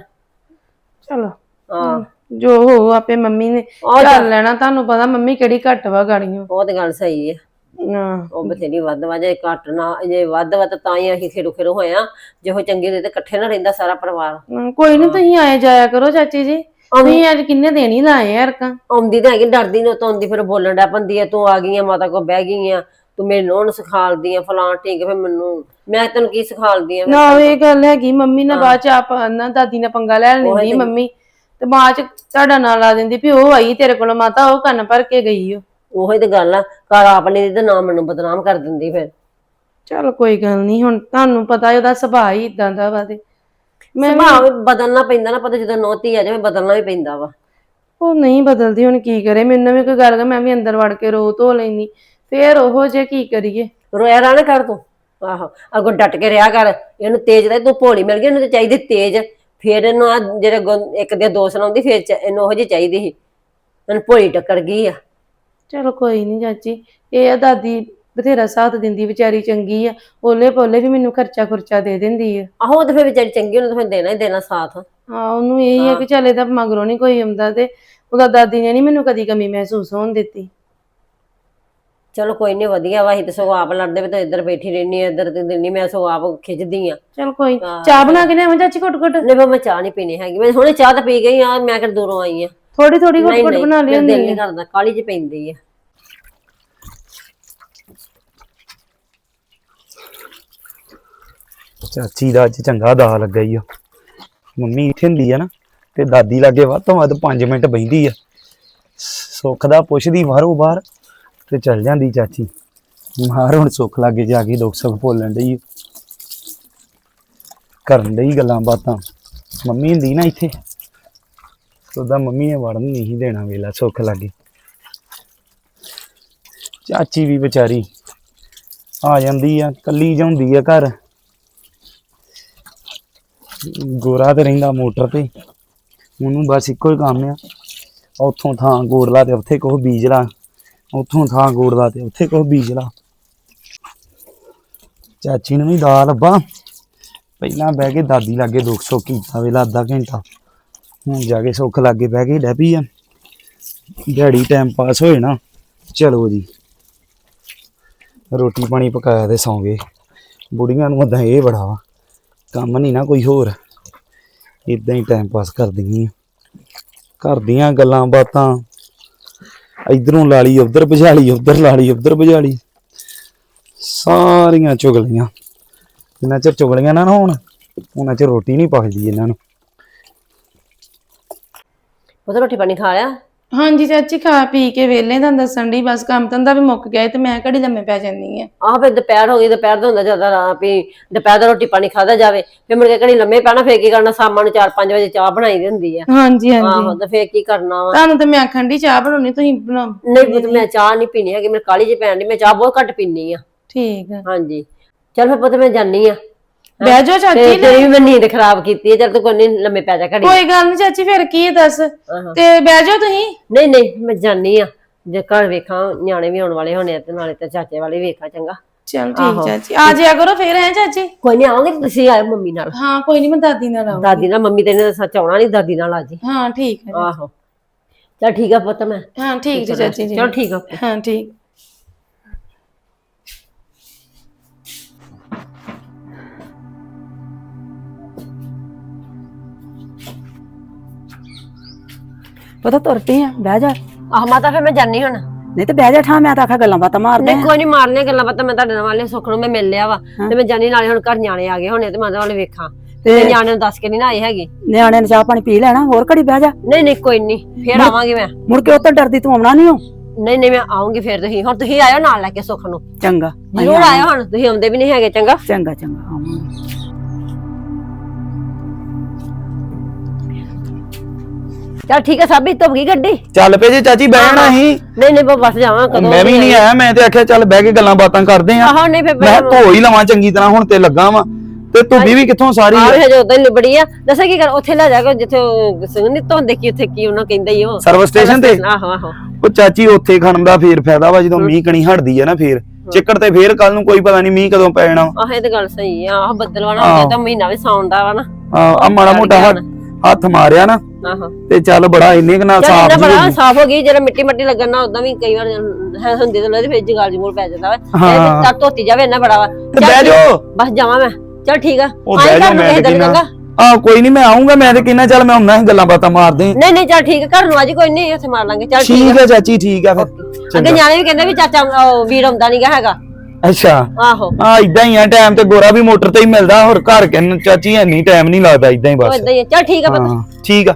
[SPEAKER 4] ਚਲੋ
[SPEAKER 3] ਹਾਂ
[SPEAKER 4] ਜੋ ਹੋ ਆਪੇ ਮੰਮੀ ਨੇ ਚੱਲ ਲੈਣਾ। ਤੁਹਾਨੂੰ ਪਤਾ ਮੰਮੀ ਕਿਹੜੀ ਘੱਟ ਵਾ ਗਾੜੀਆਂ।
[SPEAKER 3] ਉਹ ਤੇ ਗੱਲ ਸਹੀ ਹੈ,
[SPEAKER 4] ਹਾਂ
[SPEAKER 3] ਉਹ ਬਥੇਰੀ ਵੱਧ ਵਾ। ਜੇ ਘੱਟ ਨਾ, ਜੇ ਵੱਧ ਵਾ ਤਾਂ ਹੀ ਅਸੀਂ ਖੇਰੂ ਖੇਰੂ ਹੋਇਆ। ਜੇ ਉਹ ਚੰਗੀ ਹੁੰਦੀ ਤੇ ਇਕੱਠੇ ਨਾ ਰਹਿੰਦਾ ਸਾਰਾ ਪਰਿਵਾਰ।
[SPEAKER 4] ਹਾਂ, ਕੋਈ ਨੀ ਤੁਸੀਂ ਆਏ ਜਾਇਆ ਕਰੋ ਚਾਚੀ ਜੀ। ਤੁਸੀਂ ਅੱਜ ਕਿੰਨੇ ਦਿਨ ਹੀ ਲਾਏ ਯਾਰ ਕਾ।
[SPEAKER 3] ਆਉਂਦੀ ਤਾਂ ਹੈਗੀ, ਡਰਦੀ ਨੂੰ ਤਾਂ ਆਉਂਦੀ, ਫਿਰ ਬੋਲਣ ਡੈ ਪੰਦੀ ਆ। ਤੂੰ ਆ ਗਈ ਆ ਮਾਤਾ ਕੋਲ ਬਹਿ ਗਈ ਆ, ਤੂੰ ਮੇਰੇ ਨੂੰ ਸਿਖਾਲਦੀ ਆ ਫਲਾਂ ਠੀਕ। ਫਿਰ ਮੈਨੂੰ ਮੈਂ ਤੈਨੂੰ ਕੀ ਸਿਖਾਲਦੀ ਆ?
[SPEAKER 4] ਨਾ ਇਹ ਗੱਲ ਹੈਗੀ, ਮੰਮੀ ਨੇ ਬਾਅਦ ਚ ਆਪ ਨਾ ਦਾਦੀ ਨੇ ਪੰਗਾ ਲੈ ਲੈਂਦੀ ਮੰਮੀ, ਤੇ ਬਾਅਦ ਚ ਤੁਹਾਡਾ ਨਾਂ ਲਾ ਦਿੰਦੀ ਵੀ ਉਹ ਆਈ ਤੇਰੇ ਕੋਲ ਮਾਤਾ, ਉਹ ਕੰਨ ਭਰ ਕੇ ਗਈ ਓ।
[SPEAKER 3] ਉਹੀ ਤੇ ਗੱਲ ਆ, ਘਰ ਆਪਣੇ ਤੇ ਨਾਮ ਮੈਨੂੰ ਬਦਨਾਮ ਕਰ ਦਿੰਦੀ ਫਿਰ।
[SPEAKER 4] ਚਲ ਕੋਈ ਗੱਲ ਨਹੀਂ, ਹੁਣ ਤੁਹਾਨੂੰ ਪਤਾ ਉਹਦਾ ਸੁਭਾਅ ਹੀ ਇਦਾਂ ਦਾ ਵਾ। ਤੇ ਮੈਂ
[SPEAKER 3] ਸੁਭਾਅ ਬਦਲਣਾ ਪੈਂਦਾ ਨਾ, ਪਤਾ ਜਦੋਂ ਨੌਤੀ ਆ ਜਾਵੇ ਬਦਲਣਾ ਵੀ ਪੈਂਦਾ ਵਾ।
[SPEAKER 4] ਉਹ ਨਹੀਂ ਬਦਲਦੀ, ਹੁਣ ਕੀ ਕਰੇ। ਮੈਨੂੰ ਵੀ ਕੋਈ ਗੱਲ, ਮੈਂ ਵੀ ਅੰਦਰ ਵੜ ਕੇ ਰੋ ਧੋ ਲੈਂਦੀ, ਫੇਰ ਉਹੋ ਜੇ ਕੀ ਕਰੀਏ।
[SPEAKER 3] ਰੋਇਆ ਰਾਣਾ ਕਰ ਤੂੰ। ਆਹੋ ਅੱਗੋਂ ਡਟ ਕੇ ਰਿਹਾ ਕਰ। ਇਹਨੂੰ ਤੇਜ਼ ਦਾ ਤੂੰ ਭੋਲੀ ਮਿਲ ਗਈ, ਇਹਨੂੰ ਤੇ ਚਾਹੀਦੀ ਤੇਜ਼। ਫੇਰ ਇਹਨੂੰ ਆ ਜਿਹੜੇ ਇੱਕ ਦੇ ਦੋ ਸੁਣਾਉਂਦੀ, ਫੇਰ ਇਹਨੂੰ ਉਹੋ ਜਿਹੀ ਚਾਹੀਦੀ ਸੀ। ਇਹਨੂੰ ਭੋਲੀ ਟੱਕਰ ਗਈ ਆ।
[SPEAKER 4] ਚਲੋ ਕੋਈ ਨਹੀਂ ਚਾਚੀ, ਇਹ ਆ ਦਾਦੀ ਬਥੇਰਾ ਸਾਥ ਦਿੰਦੀ, ਵਿਚਾਰੀ ਚੰਗੀ ਆ। ਓਲੇ ਪੋਲੇ ਵੀ ਮੈਨੂੰ ਖਰਚਾ ਖੁਰਚਾ ਦੇ ਦਿੰਦੀ ਆ।
[SPEAKER 3] ਆਹੋ ਤੇ ਫਿਰ ਵਿਚਾਰੀ ਚੰਗੀ, ਉਹਨੂੰ ਤਾਂ ਫਿਰ ਦੇਣਾ ਹੀ ਦੇਣਾ ਸਾਥ।
[SPEAKER 4] ਹਾਂ ਉਹਨੂੰ ਇਹੀ ਆ ਕਿ ਚੱਲ ਇਹਦਾ ਮਗਰੋਂ ਨੀ ਕੋਈ ਆਉਂਦਾ, ਤੇ ਉਹਦਾ ਦਾਦੀ ਨੇ ਨੀ ਮੈਨੂੰ ਕਦੀ ਕਮੀ ਮਹਿਸੂਸ ਹੋਣ ਦਿੱਤੀ।
[SPEAKER 3] ਚਲੋ ਕੋਈ ਨੀ, ਵਧੀਆ ਵਾ। ਅਸੀਂ ਤੇ ਸਗੋਂ ਆਪ ਲੜਦੇ ਵੀ ਤਾਂ ਇੱਧਰ ਬੈਠੀ ਰਹਿਣੀ ਆ, ਇੱਧਰ ਤੇ ਦਿੰਨੀ। ਮੈਂ ਸਗੋਂ ਆਪ ਖਿੱਚਦੀ ਆ।
[SPEAKER 4] ਚਲ ਕੋਈ ਚਾਹ ਬਣਾ ਕੇ ਲਿਆਵਾਂ ਚਾਚੀ ਘੁੱਟ ਘੁੱਟ?
[SPEAKER 3] ਨਹੀਂ ਮੈਂ ਚਾਹ ਨਹੀਂ ਪੀਣੀ ਹੈਗੀ, ਮੈਂ ਹੁਣੇ ਚਾਹ ਤਾਂ ਪੀ ਗਈ ਆ। ਮੈਂ ਕਿਹੜਾ ਦੂਰੋਂ ਆਈ ਆ।
[SPEAKER 4] ਥੋੜੀ ਥੋੜੀ ਘੁੱਟ ਘੁੱਟ ਬਣਾ ਲਿਆ।
[SPEAKER 3] ਦਿਲ ਨਹੀਂ ਕਰਦਾ, ਕਾਲੀ ਚ ਪੈਂਦੀ ਆ।
[SPEAKER 2] ਚਾਚੀ ਦਾ ਅੱਜ ਚੰਗਾ ਦਾ ਲੱਗਾ ਈ ਆ। ਮੰਮੀ ਇੱਥੇ ਹੁੰਦੀ ਆ ਨਾ, ਤੇ ਦਾਦੀ ਲਾਗੇ ਵੱਧ ਤੋਂ ਵੱਧ ਪੰਜ ਮਿੰਟ ਬਹਿੰਦੀ ਆ। ਸੁੱਖ ਦਾ ਪੁੱਛਦੀ ਬਾਹਰੋਂ ਬਾਹਰ, ਤੇ ਚੱਲ ਜਾਂਦੀ ਚਾਚੀ। ਮਾਰ ਹੁਣ ਸੁੱਖ ਲਾਗੇ ਜਾ ਕੇ ਦੁੱਖ ਸੁੱਖ ਭੁੱਲਣ ਡਈ, ਕਰਨ ਡਈ ਗੱਲਾਂ ਬਾਤਾਂ। ਮੰਮੀ ਹੁੰਦੀ ਨਾ ਇੱਥੇ, ਉਹਦਾ ਮੰਮੀ ਨੇ ਵੜਨ ਨਹੀਂ ਦੇਣਾ ਵੇਲਾ ਸੁੱਖ ਲਾਗੇ। ਚਾਚੀ ਵੀ ਵਿਚਾਰੀ ਆ ਜਾਂਦੀ ਆ, ਕੱਲੀ ਜਾਂਦੀ ਆ ਘਰ। ਗੋਰਾ ਤੇ ਰਹਿੰਦਾ ਮੋਟਰ ਤੇ, ਉਹਨੂੰ ਬਸ ਇੱਕੋ ਹੀ ਕੰਮ ਆ, ਉੱਥੋਂ ਥਾਂ ਗੋੜ ਲਾ ਤੇ ਉੱਥੇ ਕੁਛ ਬੀਜ ਲਾ, ਉੱਥੋਂ ਥਾਂ ਗੋੜ ਲਾ ਤੇ ਉੱਥੇ ਕੁਛ ਬੀਜ ਲਾ। ਚਾਚੀ ਨੂੰ ਵੀ ਦਾ ਲੱਭਾ, ਪਹਿਲਾਂ ਬਹਿ ਕੇ ਦਾਦੀ ਲਾਗੇ ਦੁੱਖ ਸੁੱਖ ਕੀਤਾ ਵੇਲਾ ਅੱਧਾ ਘੰਟਾ, ਹੁਣ ਜਾ ਕੇ ਸੁੱਖ ਲਾਗੇ ਬਹਿ ਕੇ ਡਹਿ ਪਈ ਆ। ਦਿਹਾੜੀ ਟਾਈਮ ਪਾਸ ਹੋਏ ਨਾ। ਚਲੋ ਜੀ ਰੋਟੀ ਪਾਣੀ ਪਕਾਇਆ ਤੇ ਸੌਂ ਗਏ। ਬੁੜੀਆਂ ਨੂੰ ਓਦਾਂ ਇਹ ਬੜਾ ਵਾ, ਕੰਮ ਨਹੀਂ ਨਾ ਕੋਈ ਹੋਰ, ਇਦਾਂ ਹੀ ਟਾਈਮ ਪਾਸ ਕਰਦੀਆਂ ਘਰ ਦੀਆਂ ਗੱਲਾਂ ਬਾਤਾਂ, ਇਧਰੋਂ ਲਾ ਲਈ ਉਧਰ ਭਜਾ ਲਈ, ਉਧਰ ਲਾ ਲਈ ਉਧਰ ਭਜਾ ਲਈ, ਸਾਰੀਆਂ ਚੁਗਲੀਆਂ। ਜਿੰਨਾ ਚਿਰ ਚੁਗਲੀਆਂ ਨਾ ਹੋਣ ਉਹਨਾਂ ਚਿਰ ਰੋਟੀ ਨਹੀਂ ਪਕਦੀ ਇਹਨਾਂ ਨੂੰ।
[SPEAKER 3] ਉਹ ਤਾਂ ਰੋਟੀ ਪਾਣੀ ਖਾ ਲਿਆ?
[SPEAKER 4] ਹਾਂਜੀ ਚਾਚੀ ਖਾ ਪੀ ਕੇ ਵਿਹਲੇ ਤਾਂ ਦੱਸਣ ਦੀ ਬਸ ਕੰਮ ਧੰਦਾ ਵੀ ਮੁੱਕ ਗਿਆ ਤੇ ਮੈਂ ਘੜੀ ਲੰਮੇ ਪੈ ਜਾਂਦੀ ਆ।
[SPEAKER 3] ਆਹ ਫਿਰ ਦੁਪਹਿਰ ਹੋ ਗਈ, ਦੁਪਹਿਰ ਦਾ ਹੁੰਦਾ ਜ਼ਿਆਦਾ ਵੀ ਦੁਪਹਿਰ ਦਾ ਰੋਟੀ ਪਾਣੀ ਖਾਦਾ ਜਾਵੇ, ਫਿਰ ਮੁੜ ਕੇ ਘੜੀ ਲੰਮੇ ਪੈਣਾ, ਫੇਰ ਕੀ ਕਰਨਾ? ਸ਼ਾਮਾਂ ਨੂੰ ਚਾਰ ਪੰਜ ਵਜੇ ਚਾਹ ਬਣਾਈ ਦੀ ਹੁੰਦੀ ਆ।
[SPEAKER 4] ਹਾਂਜੀ
[SPEAKER 3] ਆਹੋ
[SPEAKER 4] ਹਾਂਜੀ
[SPEAKER 3] ਤੇ ਫੇਰ ਕੀ ਕਰਨਾ ਵਾ?
[SPEAKER 4] ਤੁਹਾਨੂੰ ਤੇ ਮੈਂ ਆਖਣ ਦੀ ਚਾਹ ਬਣਾਉਣੀ, ਤੁਸੀਂ ਬਣਾਓ।
[SPEAKER 3] ਨਹੀਂ ਪੁੱਤ ਮੈਂ ਚਾਹ ਨਹੀਂ ਪੀਣੀ ਹੈਗੀ, ਮੇਰੇ ਕਾਲੀ ਜਿਹੀ ਪੈਣ ਦੀ, ਮੈਂ ਚਾਹ ਬਹੁਤ ਘੱਟ ਪੀਨੀ ਆ।
[SPEAKER 4] ਠੀਕ ਆ,
[SPEAKER 3] ਹਾਂਜੀ ਚੱਲ ਫਿਰ ਪੁੱਤ ਮੈਂ ਜਾਨੀ ਆ।
[SPEAKER 4] ਬਹਿ ਜਾਓ ਚਾਚੀ।
[SPEAKER 3] ਤੇਰੀ ਵੀ ਮੈਂ ਨੀਂਦ ਖਰਾਬ ਕੀਤੀ ਹੈ, ਚੱਲ ਤੂੰ ਕੋਈ ਨੀ ਲੰਮੇ ਪੈ ਜਾ ਘੜੀ।
[SPEAKER 4] ਕੋਈ ਗੱਲ ਨਹੀਂ ਚਾਚੀ, ਫਿਰ ਕੀ ਦੱਸ ਤੇ ਬਹਿ ਜਾਓ ਤੁਸੀਂ।
[SPEAKER 3] ਨਹੀਂ ਨਹੀਂ ਮੈਂ ਜਾਨੀ ਆ, ਜੇ ਘਰ ਵੇਖਾਂ ਨਿਆਣੇ ਵੀ ਆਉਣ ਵਾਲੇ ਹੋਣੇ ਆ ਤੇ ਨਾਲੇ ਤੇ ਚਾਚੇ ਵਾਲੇ ਵੇਖਾਂ। ਚੰਗਾ
[SPEAKER 4] ਚਲ ਠੀਕ ਚਾਚੀ, ਆ ਜਾਇਆ ਕਰੋ ਫਿਰ। ਹੈ ਚਾਚੀ?
[SPEAKER 3] ਕੋਈ ਨਹੀਂ ਆਉਂਗੇ, ਤੁਸੀਂ ਆਇਓ ਮੰਮੀ ਨਾਲ।
[SPEAKER 4] ਹਾਂ ਕੋਈ ਨਹੀਂ, ਮੈਂ ਦਾਦੀ ਨਾਲ ਆਉਂਗੀ।
[SPEAKER 3] ਦਾਦੀ ਨਾਲ, ਮੰਮੀ ਤੇ ਨੇ ਸੱਚ ਆਉਣਾ ਨਹੀਂ, ਦਾਦੀ ਨਾਲ ਆ ਜੀ।
[SPEAKER 4] ਹਾਂ ਠੀਕ ਹੈ।
[SPEAKER 3] ਆਹੋ ਚੱਲ ਠੀਕ ਆ ਪੁੱਤ। ਮੈਂ
[SPEAKER 4] ਹਾਂ ਠੀਕ ਜੀ ਚਾਚੀ ਜੀ।
[SPEAKER 3] ਚਲੋ ਠੀਕ ਆ।
[SPEAKER 4] ਹਾਂ ਠੀਕ।
[SPEAKER 1] ਪਤਾ ਤੁਰ ਪਈ ਆ, ਬਹਿ ਜਾ।
[SPEAKER 3] ਆਹ ਮਾਤਾ ਫਿਰ ਮੈਂ ਜਾਨੀ ਹੁਣ।
[SPEAKER 1] ਨਹੀਂ ਤੇ ਬਹਿ ਜਾ ਠਾ, ਮੈਂ ਤਾਂ ਆਖਾ ਗੱਲਾਂ ਬਾਤਾਂ ਮਾਰਦੇ
[SPEAKER 3] ਨਹੀਂ ਕੋਈ ਨਹੀਂ ਮਾਰਨੀਆਂ ਗੱਲਾਂ ਬਾਤਾਂ, ਮੈਂ ਤੁਹਾਡੇ ਨਾਲ ਵਾਲੇ ਸੁੱਖ ਨੂੰ ਮੈਂ ਮਿਲ ਲਿਆ ਵਾ ਤੇ ਮੈਂ ਜਾਨੀ, ਨਾਲੇ ਹੁਣ ਘਰ ਨਿਆਣੇ ਆ ਗਏ ਹੋਣੇ ਤੇ ਮੈਂ ਉਹਨਾਂ ਵਾਲੇ ਵੇਖਾਂ ਤੇ ਨਿਆਣੇ ਨੂੰ ਦੱਸ ਕੇ ਨਹੀਂ ਨਾ ਆਏ ਹੈਗੇ।
[SPEAKER 1] ਨਿਆਣਿਆਂ ਨੇ ਚਾਹ ਪਾਣੀ ਪੀ ਲੈਣਾ, ਹੋਰ ਘੜੀ ਬਹਿ ਜਾ।
[SPEAKER 3] ਨਹੀਂ ਨਹੀਂ ਕੋਈ ਨਹੀਂ, ਫੇਰ ਆਵਾਂਗੀ ਮੈਂ।
[SPEAKER 1] ਮੁੜ ਕੇ ਉੱਤੋਂ ਡਰਦੀ ਤੂੰ ਆਉਣਾ ਨਹੀਂ ਹੋ?
[SPEAKER 3] ਨਹੀਂ ਨਹੀਂ ਮੈਂ ਆਉਂਗੀ ਫੇਰ। ਤੁਸੀਂ ਹੁਣ ਤੁਸੀਂ ਆਇਓ ਨਾਲ ਲੈ ਕੇ ਸੁੱਖ ਨੂੰ।
[SPEAKER 1] ਚੰਗਾ
[SPEAKER 3] ਜ਼ਰੂਰ ਆਇਓ, ਹੁਣ ਤੁਸੀਂ ਆਉਂਦੇ ਵੀ ਨਹੀਂ ਹੈਗੇ। ਚੰਗਾ
[SPEAKER 1] ਚੰਗਾ ਚੰਗਾ ਆਵਾਂਗੇ।
[SPEAKER 3] ਚੱਲ ਠੀਕ ਹੈ ਸਾਬੀ, ਧੁੱਪ ਗਈ ਗੱਡੀ?
[SPEAKER 2] ਚੱਲ ਪਏ ਜੇ ਚਾਚੀ, ਬਹਿਣਾ ਹੀ।
[SPEAKER 3] ਨਹੀਂ ਨਹੀਂ ਬਸ ਜਾਵਾਂ ਕਦੋਂ?
[SPEAKER 2] ਮੈਂ ਵੀ ਨਹੀਂ ਆਇਆ, ਮੈਂ ਤੇ ਆਖਿਆ ਚੱਲ ਬਹਿ ਕੇ ਗੱਲਾਂ ਬਾਤਾਂ ਕਰਦੇ ਆ।
[SPEAKER 3] ਆਹੋ ਨਹੀਂ ਫਿਰ
[SPEAKER 2] ਮੈਂ ਧੋ ਹੀ ਲਵਾਂ ਚੰਗੀ ਤਰ੍ਹਾਂ, ਹੁਣ ਤੇ ਲੱਗਾ ਵਾਂ। ਤੇ ਧੁੱਬੀ ਵੀ ਕਿੱਥੋਂ ਸਾਰੀ?
[SPEAKER 3] ਆਹ ਹਜੇ ਉਦਾਂ ਹੀ ਲਿਬੜੀ ਆ। ਦੱਸਾਂ ਕੀ ਕਰ, ਉੱਥੇ ਲੈ ਜਾ ਕੇ ਜਿੱਥੇ ਸੰਗਨੀ ਧੋਂਦੇ ਕੀ, ਉੱਥੇ ਕੀ ਉਹਨਾਂ ਕਹਿੰਦਾ ਹੀ ਉਹ
[SPEAKER 2] ਸਰਵਿਸ ਸਟੇਸ਼ਨ ਤੇ।
[SPEAKER 3] ਆਹੋ ਆਹੋ
[SPEAKER 2] ਉਹ ਚਾਚੀ ਉੱਥੇ ਖੜਨ ਦਾ ਫੇਰ ਫਾਇਦਾ ਵਾ, ਜਦੋਂ ਮੀਂਹ ਕਣੀ ਹਟਦੀ ਆ ਨਾ ਫੇਰ ਚਿੱਕੜ ਤੇ ਫੇਰ ਕੱਲ ਨੂੰ ਕੋਈ ਪਤਾ ਨਹੀਂ ਮੀਂਹ ਕਦੋਂ ਪੈ ਜਾਣਾ।
[SPEAKER 3] ਆਹ ਇਹ ਤੇ ਗੱਲ ਸਹੀ ਆ। ਆਹ ਬੱਦਲ ਵਾਲਾ ਹੋ ਗਿਆ ਤਾਂ ਮਹੀਨਾ ਵੀ ਸੌਣ ਦਾ ਵਾ ਨਾ।
[SPEAKER 2] ਆ ਮਾੜਾ ਮੋਟਾ ਹੱਥ ਮਾਰਿਆ ਨਾ
[SPEAKER 3] ਆਹੋ
[SPEAKER 2] ਤੇ ਚੱਲ ਬੜਾ ਇੰਨੇ ਕੁ ਨਾਲ
[SPEAKER 3] ਚੱਲ
[SPEAKER 2] ਸਾਫ
[SPEAKER 3] ਇੰਨਾ ਬੜਾ ਸਾਫ ਹੋ ਗਈ। ਜਿਹੜਾ ਮਿੱਟੀ ਮੱਟੀ ਲੱਗਣ ਨਾਲ ਉਦਾਂ ਵੀ ਕਈ ਵਾਰ ਹੁੰਦੀ ਤੇ ਲੱਗਦੀ, ਫੇਰ ਜਗਾਲ ਜਮੂਲ ਪੈ ਜਾਂਦਾ ਵਾ। ਇਹ ਤਾਂ ਧੋਤੀ ਜਾਵੇ ਇੰਨਾ ਬੜਾ ਵਾ।
[SPEAKER 2] ਤੇ ਬਹਿ ਜਾਓ,
[SPEAKER 3] ਬਸ ਜਾਵਾਂ ਮੈਂ। ਚੱਲ ਠੀਕ ਆ,
[SPEAKER 2] ਉਹ ਬਹਿ ਜਾ। ਮੈਂ ਤੇ ਕਿੰਨਾ ਆ ਕੋਈ ਨਹੀਂ, ਮੈਂ ਆਉਂਗਾ। ਮੈਂ ਤੇ ਕਿੰਨਾ ਚੱਲ ਮੈਂ ਹੁੰਦਾ ਗੱਲਾਂ ਬਾਤਾਂ ਮਾਰਦੇ।
[SPEAKER 3] ਨਹੀਂ ਨਹੀਂ ਚੱਲ ਠੀਕ ਆ, ਘਰ ਨੂੰ ਅੱਜ ਕੋਈ ਨਹੀਂ, ਉੱਥੇ ਮਾਰ ਲਾਂਗੇ। ਚੱਲ
[SPEAKER 2] ਠੀਕ ਹੈ ਚਾਚੀ, ਠੀਕ ਆ ਫਿਰ।
[SPEAKER 3] ਅੱਗੇ ਨਿਆਣੇ ਵੀ ਕਹਿੰਦੇ ਵੀ ਚਾਚਾ ਵੀਰ ਆਉਂਦਾ ਨਹੀਂਗਾ ਹੈਗਾ।
[SPEAKER 2] ਅੱਛਾ
[SPEAKER 3] ਆਹੋ
[SPEAKER 2] ਆ ਇਦਾਂ ਹੀ ਆ, ਟਾਈਮ ਤੇ ਗੋਰਾ ਵੀ ਮੋਟਰ ਤੇ ਹੀ ਮਿਲਦਾ, ਹੋਰ ਘਰ ਕਿੰਨ ਚਾਚੀ ਐਨੀ ਟਾਈਮ ਨਹੀਂ ਲੱਗਦਾ, ਇਦਾਂ ਹੀ ਬਸ।
[SPEAKER 3] ਇਦਾਂ ਹੀ ਚੱਲ ਠੀਕ ਆ ਪਤਾ।
[SPEAKER 2] ਹਾਂ ਠੀਕ ਆ।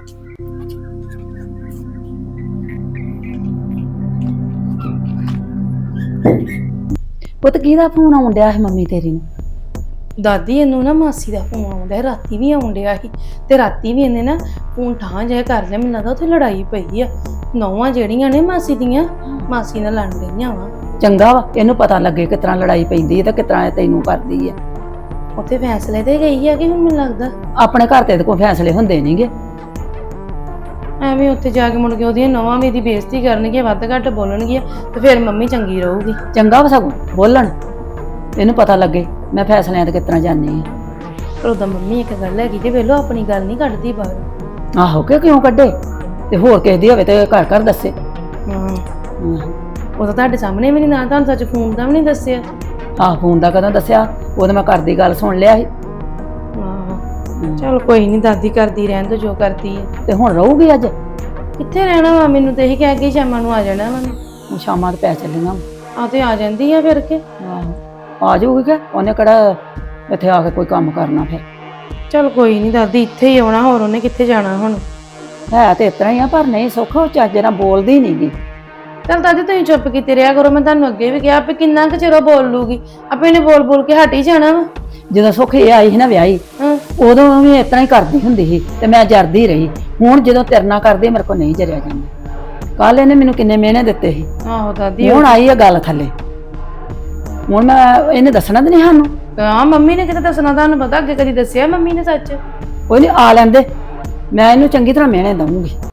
[SPEAKER 1] ਪੁੱਤ ਕਿਹਦਾ ਫੋਨ ਆਉਣ ਡਿਆ ਸੀ ਮੰਮੀ ਤੇਰੀ ਨੂੰ?
[SPEAKER 4] ਦਾਦੀ ਇਹਨੂੰ ਨਾ ਮਾਸੀ ਦਾ ਫੋਨ ਆਉਂਦਾ, ਰਾਤੀ ਵੀ ਆਉਣ ਡਿਆ ਸੀ ਤੇ ਰਾਤੀ ਵੀ ਇਹਨੇ ਨਾ ਫੋਨ ਠਾਂ ਜਿਹਾ ਕਰ ਲਿਆ। ਮੈਨੂੰ ਲੱਗਦਾ ਉੱਥੇ ਲੜਾਈ ਪਈ ਆ। ਨੌਵਾਂ ਜਿਹੜੀਆਂ ਨੇ ਮਾਸੀ ਦੀਆਂ, ਮਾਸੀ ਨਾਲ ਲੜ ਗਈਆਂ ਵਾ।
[SPEAKER 1] ਚੰਗਾ ਵਾ, ਇਹਨੂੰ ਪਤਾ ਲੱਗੇ ਕਿਸ ਤਰ੍ਹਾਂ ਲੜਾਈ ਪੈਂਦੀ ਹੈ ਤੇ ਕਿਸ ਤਰ੍ਹਾਂ ਤੈਨੂੰ ਕਰਦੀ ਹੈ।
[SPEAKER 4] ਉੱਥੇ ਫੈਸਲੇ ਤੇ ਗਈ ਆ ਕਿ ਹੁਣ ਮੈਨੂੰ ਲੱਗਦਾ
[SPEAKER 1] ਆਪਣੇ ਘਰ ਤੇ ਕੋਈ ਫੈਸਲੇ ਹੁੰਦੇ ਨਹੀਂਗੇ।
[SPEAKER 4] ਐਵੇਂ ਉੱਥੇ ਜਾ ਕੇ ਮੁੜ ਕੇ ਉਹਦੀਆਂ ਨੌਵਾਂ ਵੀ ਦੀ ਬੇਇੱਜ਼ਤੀ ਕਰਨਗੀਆਂ, ਵੱਧ ਘੱਟ ਬੋਲਣਗੀਆਂ ਤੇ ਫਿਰ ਮੰਮੀ ਚੰਗੀ ਰਹੂਗੀ।
[SPEAKER 1] ਚੰਗਾ ਵਾ ਸਗੋਂ ਬੋਲਣ, ਇਹਨੂੰ ਪਤਾ ਲੱਗੇ ਮੈਂ ਫੈਸਲਿਆਂ ਤੇ ਕਿਸ ਤਰ੍ਹਾਂ ਜਾਂਦੀ ਆ।
[SPEAKER 4] ਪਰ ਉਹਦਾ ਮੰਮੀ ਇੱਕ ਗੱਲ ਹੈਗੀ ਤੇ ਵੇਲੋ ਆਪਣੀ ਗੱਲ ਨਹੀਂ ਕੱਢਦੀ ਬਾਹਰ।
[SPEAKER 1] ਆਹੋ ਕਿ ਕਿਉਂ ਕੱਢੇ? ਤੇ ਹੋਰ ਕਿਸੇ ਦੀ ਹੋਵੇ ਤੇ ਘਰ ਘਰ ਦੱਸੇ।
[SPEAKER 4] ਹਾਂ ਉਹ ਤਾਂ ਤੁਹਾਡੇ ਸਾਹਮਣੇ ਵੀ ਨਹੀਂ, ਨਾ ਤੁਹਾਨੂੰ ਸੱਚ ਫੋਨ ਦਾ ਵੀ ਨਹੀਂ ਦੱਸਿਆ।
[SPEAKER 1] ਆਹ ਫੋਨ ਦਾ ਕਦੋਂ ਦੱਸਿਆ? ਉਹਦੇ ਮੈਂ ਘਰ ਦੀ ਗੱਲ ਸੁਣ ਲਿਆ ਸੀ।
[SPEAKER 4] ਹਾਂ ਚਲ ਕੋਈ ਨਹੀਂ, ਦਾਦੀ ਕਰਦੀ ਰਹਿਣ ਦੋ ਜੋ ਕਰਦੀ ਹੈ।
[SPEAKER 1] ਤੇ ਹੁਣ ਰਹੂਗੀ ਅੱਜ?
[SPEAKER 4] ਕਿੱਥੇ ਰਹਿਣਾ ਵਾ, ਮੈਨੂੰ ਤੇ ਇਹੀ ਕਹਿ ਕੇ ਸ਼ਾਮਾਂ ਨੂੰ ਆ ਜਾਣਾ ਵਾ।
[SPEAKER 1] ਹੁਣ ਸ਼ਾਮਾਂ ਤੇ ਪੈ ਚੱਲੀਆਂ।
[SPEAKER 4] ਆ ਤੇ ਆ ਜਾਂਦੀ ਆ ਫਿਰ ਕੇ।
[SPEAKER 1] ਆਹੋ ਆ ਜਾਊਗੀ ਕਿ ਉਹਨੇ ਕਿਹੜਾ ਇੱਥੇ ਆ ਕੇ ਕੋਈ ਕੰਮ ਕਰਨਾ ਫਿਰ।
[SPEAKER 4] ਚਲ ਕੋਈ ਨਹੀਂ ਦਾਦੀ ਇੱਥੇ ਹੀ ਆਉਣਾ, ਹੋਰ ਉਹਨੇ ਕਿੱਥੇ ਜਾਣਾ ਹੁਣ।
[SPEAKER 1] ਹੈ ਤੇ ਇਸ ਤਰ੍ਹਾਂ ਹੀ ਆ, ਪਰ ਨਹੀਂ ਸੁੱਖ ਉਹ ਚੱਜ ਨਾਲ ਬੋਲਦੀ ਨੀ ਗੀ।
[SPEAKER 4] ਚਲ ਦਾਦੀ ਤੁਸੀਂ ਚੁੱਪ ਕੀਤੇ ਰਿਹਾ ਕਰੋ। ਮੈਂ ਤੁਹਾਨੂੰ ਅੱਗੇ ਵੀ ਕਿਹਾ ਵੀ ਕਿੰਨਾ ਕੁ ਚਿਰ ਉਹ ਬੋਲ ਲੂਗੀ, ਆਪੇ ਇਹਨੇ ਬੋਲ ਬੋਲ ਕੇ ਹਟ ਹੀ ਜਾਣਾ ਵਾ।
[SPEAKER 1] ਜਦੋਂ ਸੁੱਖ ਇਹ ਆਈ ਸੀ ਨਾ ਵਿਆਹੀ, ਉਦੋਂ ਵੀ ਇਸ ਤਰ੍ਹਾਂ ਹੀ ਕਰਦੀ ਹੁੰਦੀ ਸੀ ਤੇ ਮੈਂ ਜਰਦੀ ਰਹੀ। ਹੁਣ ਜਦੋਂ ਤੇਰੇ ਨਾਲ ਕਰਦੀ ਮੇਰੇ ਕੋਲ ਨਹੀਂ ਜਰਿਆ ਜਾਂਦਾ। ਕੱਲ ਇਹਨੇ ਮੈਨੂੰ ਕਿੰਨੇ ਮਿਹਣੇ ਦਿੱਤੇ ਸੀ।
[SPEAKER 4] ਆਹੋ ਦਾਦੀ
[SPEAKER 1] ਹੁਣ ਆਈ ਆ ਗੱਲ ਥੱਲੇ। ਹੁਣ ਮੈਂ ਇਹਨੇ ਦੱਸਣਾ ਤੇ ਨਹੀਂ ਸਾਨੂੰ।
[SPEAKER 4] ਹਾਂ ਮੰਮੀ ਨੇ ਕਿਤੇ ਦੱਸਣਾ, ਤੁਹਾਨੂੰ ਪਤਾ ਅੱਗੇ ਕਦੀ ਦੱਸਿਆ ਮੰਮੀ ਨੇ ਸੱਚ?
[SPEAKER 1] ਕੋਈ ਨਹੀਂ ਆ ਲੈਂਦੇ, ਮੈਂ ਇਹਨੂੰ ਚੰਗੀ ਤਰ੍ਹਾਂ ਮਿਹਣੇ ਦਊਂਗੀ।